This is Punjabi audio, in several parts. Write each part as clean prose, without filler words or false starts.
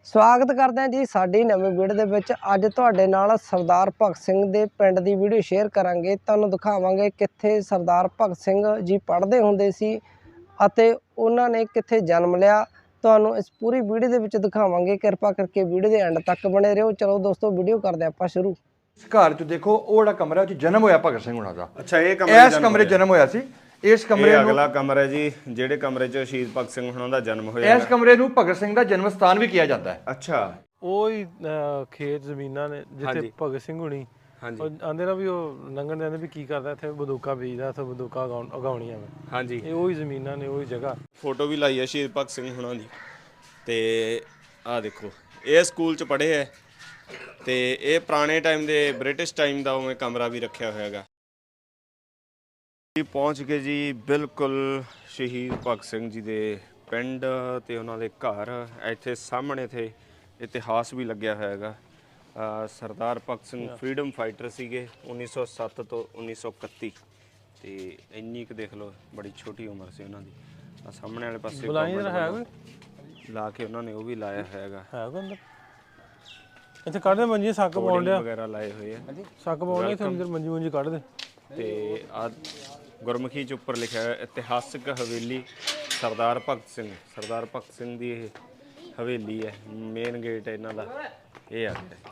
ਸਵਾਗਤ ਕਰਦੇ ਹਾਂ ਜੀ ਸਾਡੀ ਨਵੀਂ ਵੀਡੀਓ ਦੇ ਵਿੱਚ। ਅੱਜ ਤੁਹਾਡੇ ਨਾਲ ਸਰਦਾਰ ਭਗਤ ਸਿੰਘ ਦੇ ਪਿੰਡ ਦੀ ਵੀਡੀਓ ਸ਼ੇਅਰ ਕਰਾਂਗੇ। ਤੁਹਾਨੂੰ ਦਿਖਾਵਾਂਗੇ ਕਿੱਥੇ ਸਰਦਾਰ ਭਗਤ ਸਿੰਘ ਜੀ ਪੜ੍ਹਦੇ ਹੁੰਦੇ ਸੀ ਅਤੇ ਉਹਨਾਂ ਨੇ ਕਿੱਥੇ ਜਨਮ ਲਿਆ। ਤੁਹਾਨੂੰ ਇਸ ਪੂਰੀ ਵੀਡੀਓ ਦੇ ਵਿੱਚ ਦਿਖਾਵਾਂਗੇ। ਕਿਰਪਾ ਕਰਕੇ ਵੀਡੀਓ ਦੇ ਐਂਡ ਤੱਕ ਬਣੇ ਰਹੋ। ਚਲੋ ਦੋਸਤੋ ਵੀਡੀਓ ਕਰਦੇ ਆਪਾਂ ਸ਼ੁਰੂ। ਘਰ ਚ ਦੇਖੋ ਉਹ ਜਿਹੜਾ ਕਮਰਾ ਚ ਜਨਮ ਹੋਇਆ ਭਗਤ ਸਿੰਘ ਹੁਣਾਂ ਦਾ। ਅੱਛਾ, ਇਹ ਕਮਰੇ ਇਸ ਕਮਰੇ ਜਨਮ ਹੋਇਆ ਸੀ। ਇਸ ਕਮਰੇ ਨੂੰ ਅਗਲਾ ਕਮਰਾ ਹੈ ਜੀ, ਜਿਹੜੇ ਕਮਰੇ 'ਚ ਸ਼ਹੀਦ ਭਗਤ ਸਿੰਘ ਹੁਣਾਂ ਦਾ ਜਨਮ ਹੋਇਆ। ਇਸ ਕਮਰੇ ਨੂੰ ਭਗਤ ਸਿੰਘ ਦਾ ਜਨਮ ਸਥਾਨ ਵੀ ਕਿਹਾ ਜਾਂਦਾ ਹੈ। ਅੱਛਾ, ਉਹ ਹੀ ਖੇਤ ਜ਼ਮੀਨਾਂ ਨੇ ਜਿੱਥੇ ਭਗਤ ਸਿੰਘ ਹੁਣੀ ਆਂਦੇ ਨਾ ਵੀ ਉਹ ਲੰਘਣ ਦੇ ਆਂਦੇ ਵੀ ਕੀ ਕਰਦਾ ਇੱਥੇ ਬੰਦੂਕਾਂ ਬੀਜਦਾ, ਇੱਥੇ ਬੰਦੂਕਾਂ ਉਗਾਉਣੀਆਂ ਵਾ। ਹਾਂਜੀ, ਇਹ ਉਹੀ ਜ਼ਮੀਨਾਂ ਨੇ, ਉਹੀ ਜਗ੍ਹਾ। ਫੋਟੋ ਵੀ ਲਾਈ ਹੈ ਸ਼ਹੀਦ ਭਗਤ ਸਿੰਘ ਹੁਣਾਂ ਦੀ। ਤੇ ਆਹ ਦੇਖੋ, ਇਹ ਸਕੂਲ 'ਚ ਪੜ੍ਹੇ ਹੈ ਤੇ ਇਹ ਪੁਰਾਣੇ ਟਾਈਮ ਦੇ ਬ੍ਰਿਟਿਸ਼ ਟਾਈਮ ਦਾ ਉਵੇਂ ਕਮਰਾ ਵੀ ਰੱਖਿਆ ਹੋਇਆ ਹੈਗਾ। ਪਹੁੰਚ ਗਏ ਜੀ ਬਿਲਕੁਲ ਸ਼ਹੀਦ ਭਗਤ ਸਿੰਘ ਜੀ ਦੇ ਪਿੰਡ ਤੇ ਉਹਨਾਂ ਦੇ ਘਰ। ਇੱਥੇ ਸਾਹਮਣੇ ਤੇ ਇਤਿਹਾਸ ਵੀ ਲੱਗਿਆ ਹੋਇਆ ਹੈਗਾ। ਸਰਦਾਰ ਭਗਤ ਸਿੰਘ ਫਰੀडम ਫਾਈਟਰ ਸੀਗੇ 1907 ਤੋਂ 1931 ਤੇ ਇੰਨੀ ਕੁ ਦੇਖ ਲਓ, ਬੜੀ ਛੋਟੀ ਉਮਰ ਸੀ ਉਹਨਾਂ ਦੀ। ਆ ਸਾਹਮਣੇ ਵਾਲੇ ਪਾਸੇ ਲਾ ਕੇ ਉਹਨਾਂ ਨੇ ਉਹ ਵੀ ਲਾਇਆ ਹੋਇਆ ਹੈਗਾ। ਇੱਥੇ ਕੱਢਦੇ ਮੰਜੀ, ਸੱਕ ਪਾਉਣ ਲਿਆ ਵਗੈਰਾ ਲਾਏ ਹੋਏ ਆ। ਸੱਕ ਪਾਉਣ ਲਿਆ, ਅੰਦਰ ਮੰਜੀ ਮੁੰਜੀ ਕੱਢਦੇ। ਤੇ ਆ ਗੁਰਮੁਖੀ 'ਚ ਉੱਪਰ ਲਿਖਿਆ ਹੋਇਆ ਇਤਿਹਾਸਕ ਹਵੇਲੀ ਸਰਦਾਰ ਭਗਤ ਸਿੰਘ। ਸਰਦਾਰ ਭਗਤ ਸਿੰਘ ਦੀ ਇਹ ਹਵੇਲੀ ਹੈ। ਮੇਨ ਗੇਟ ਇਹਨਾਂ ਦਾ ਇਹ ਆ ਗਿਆ।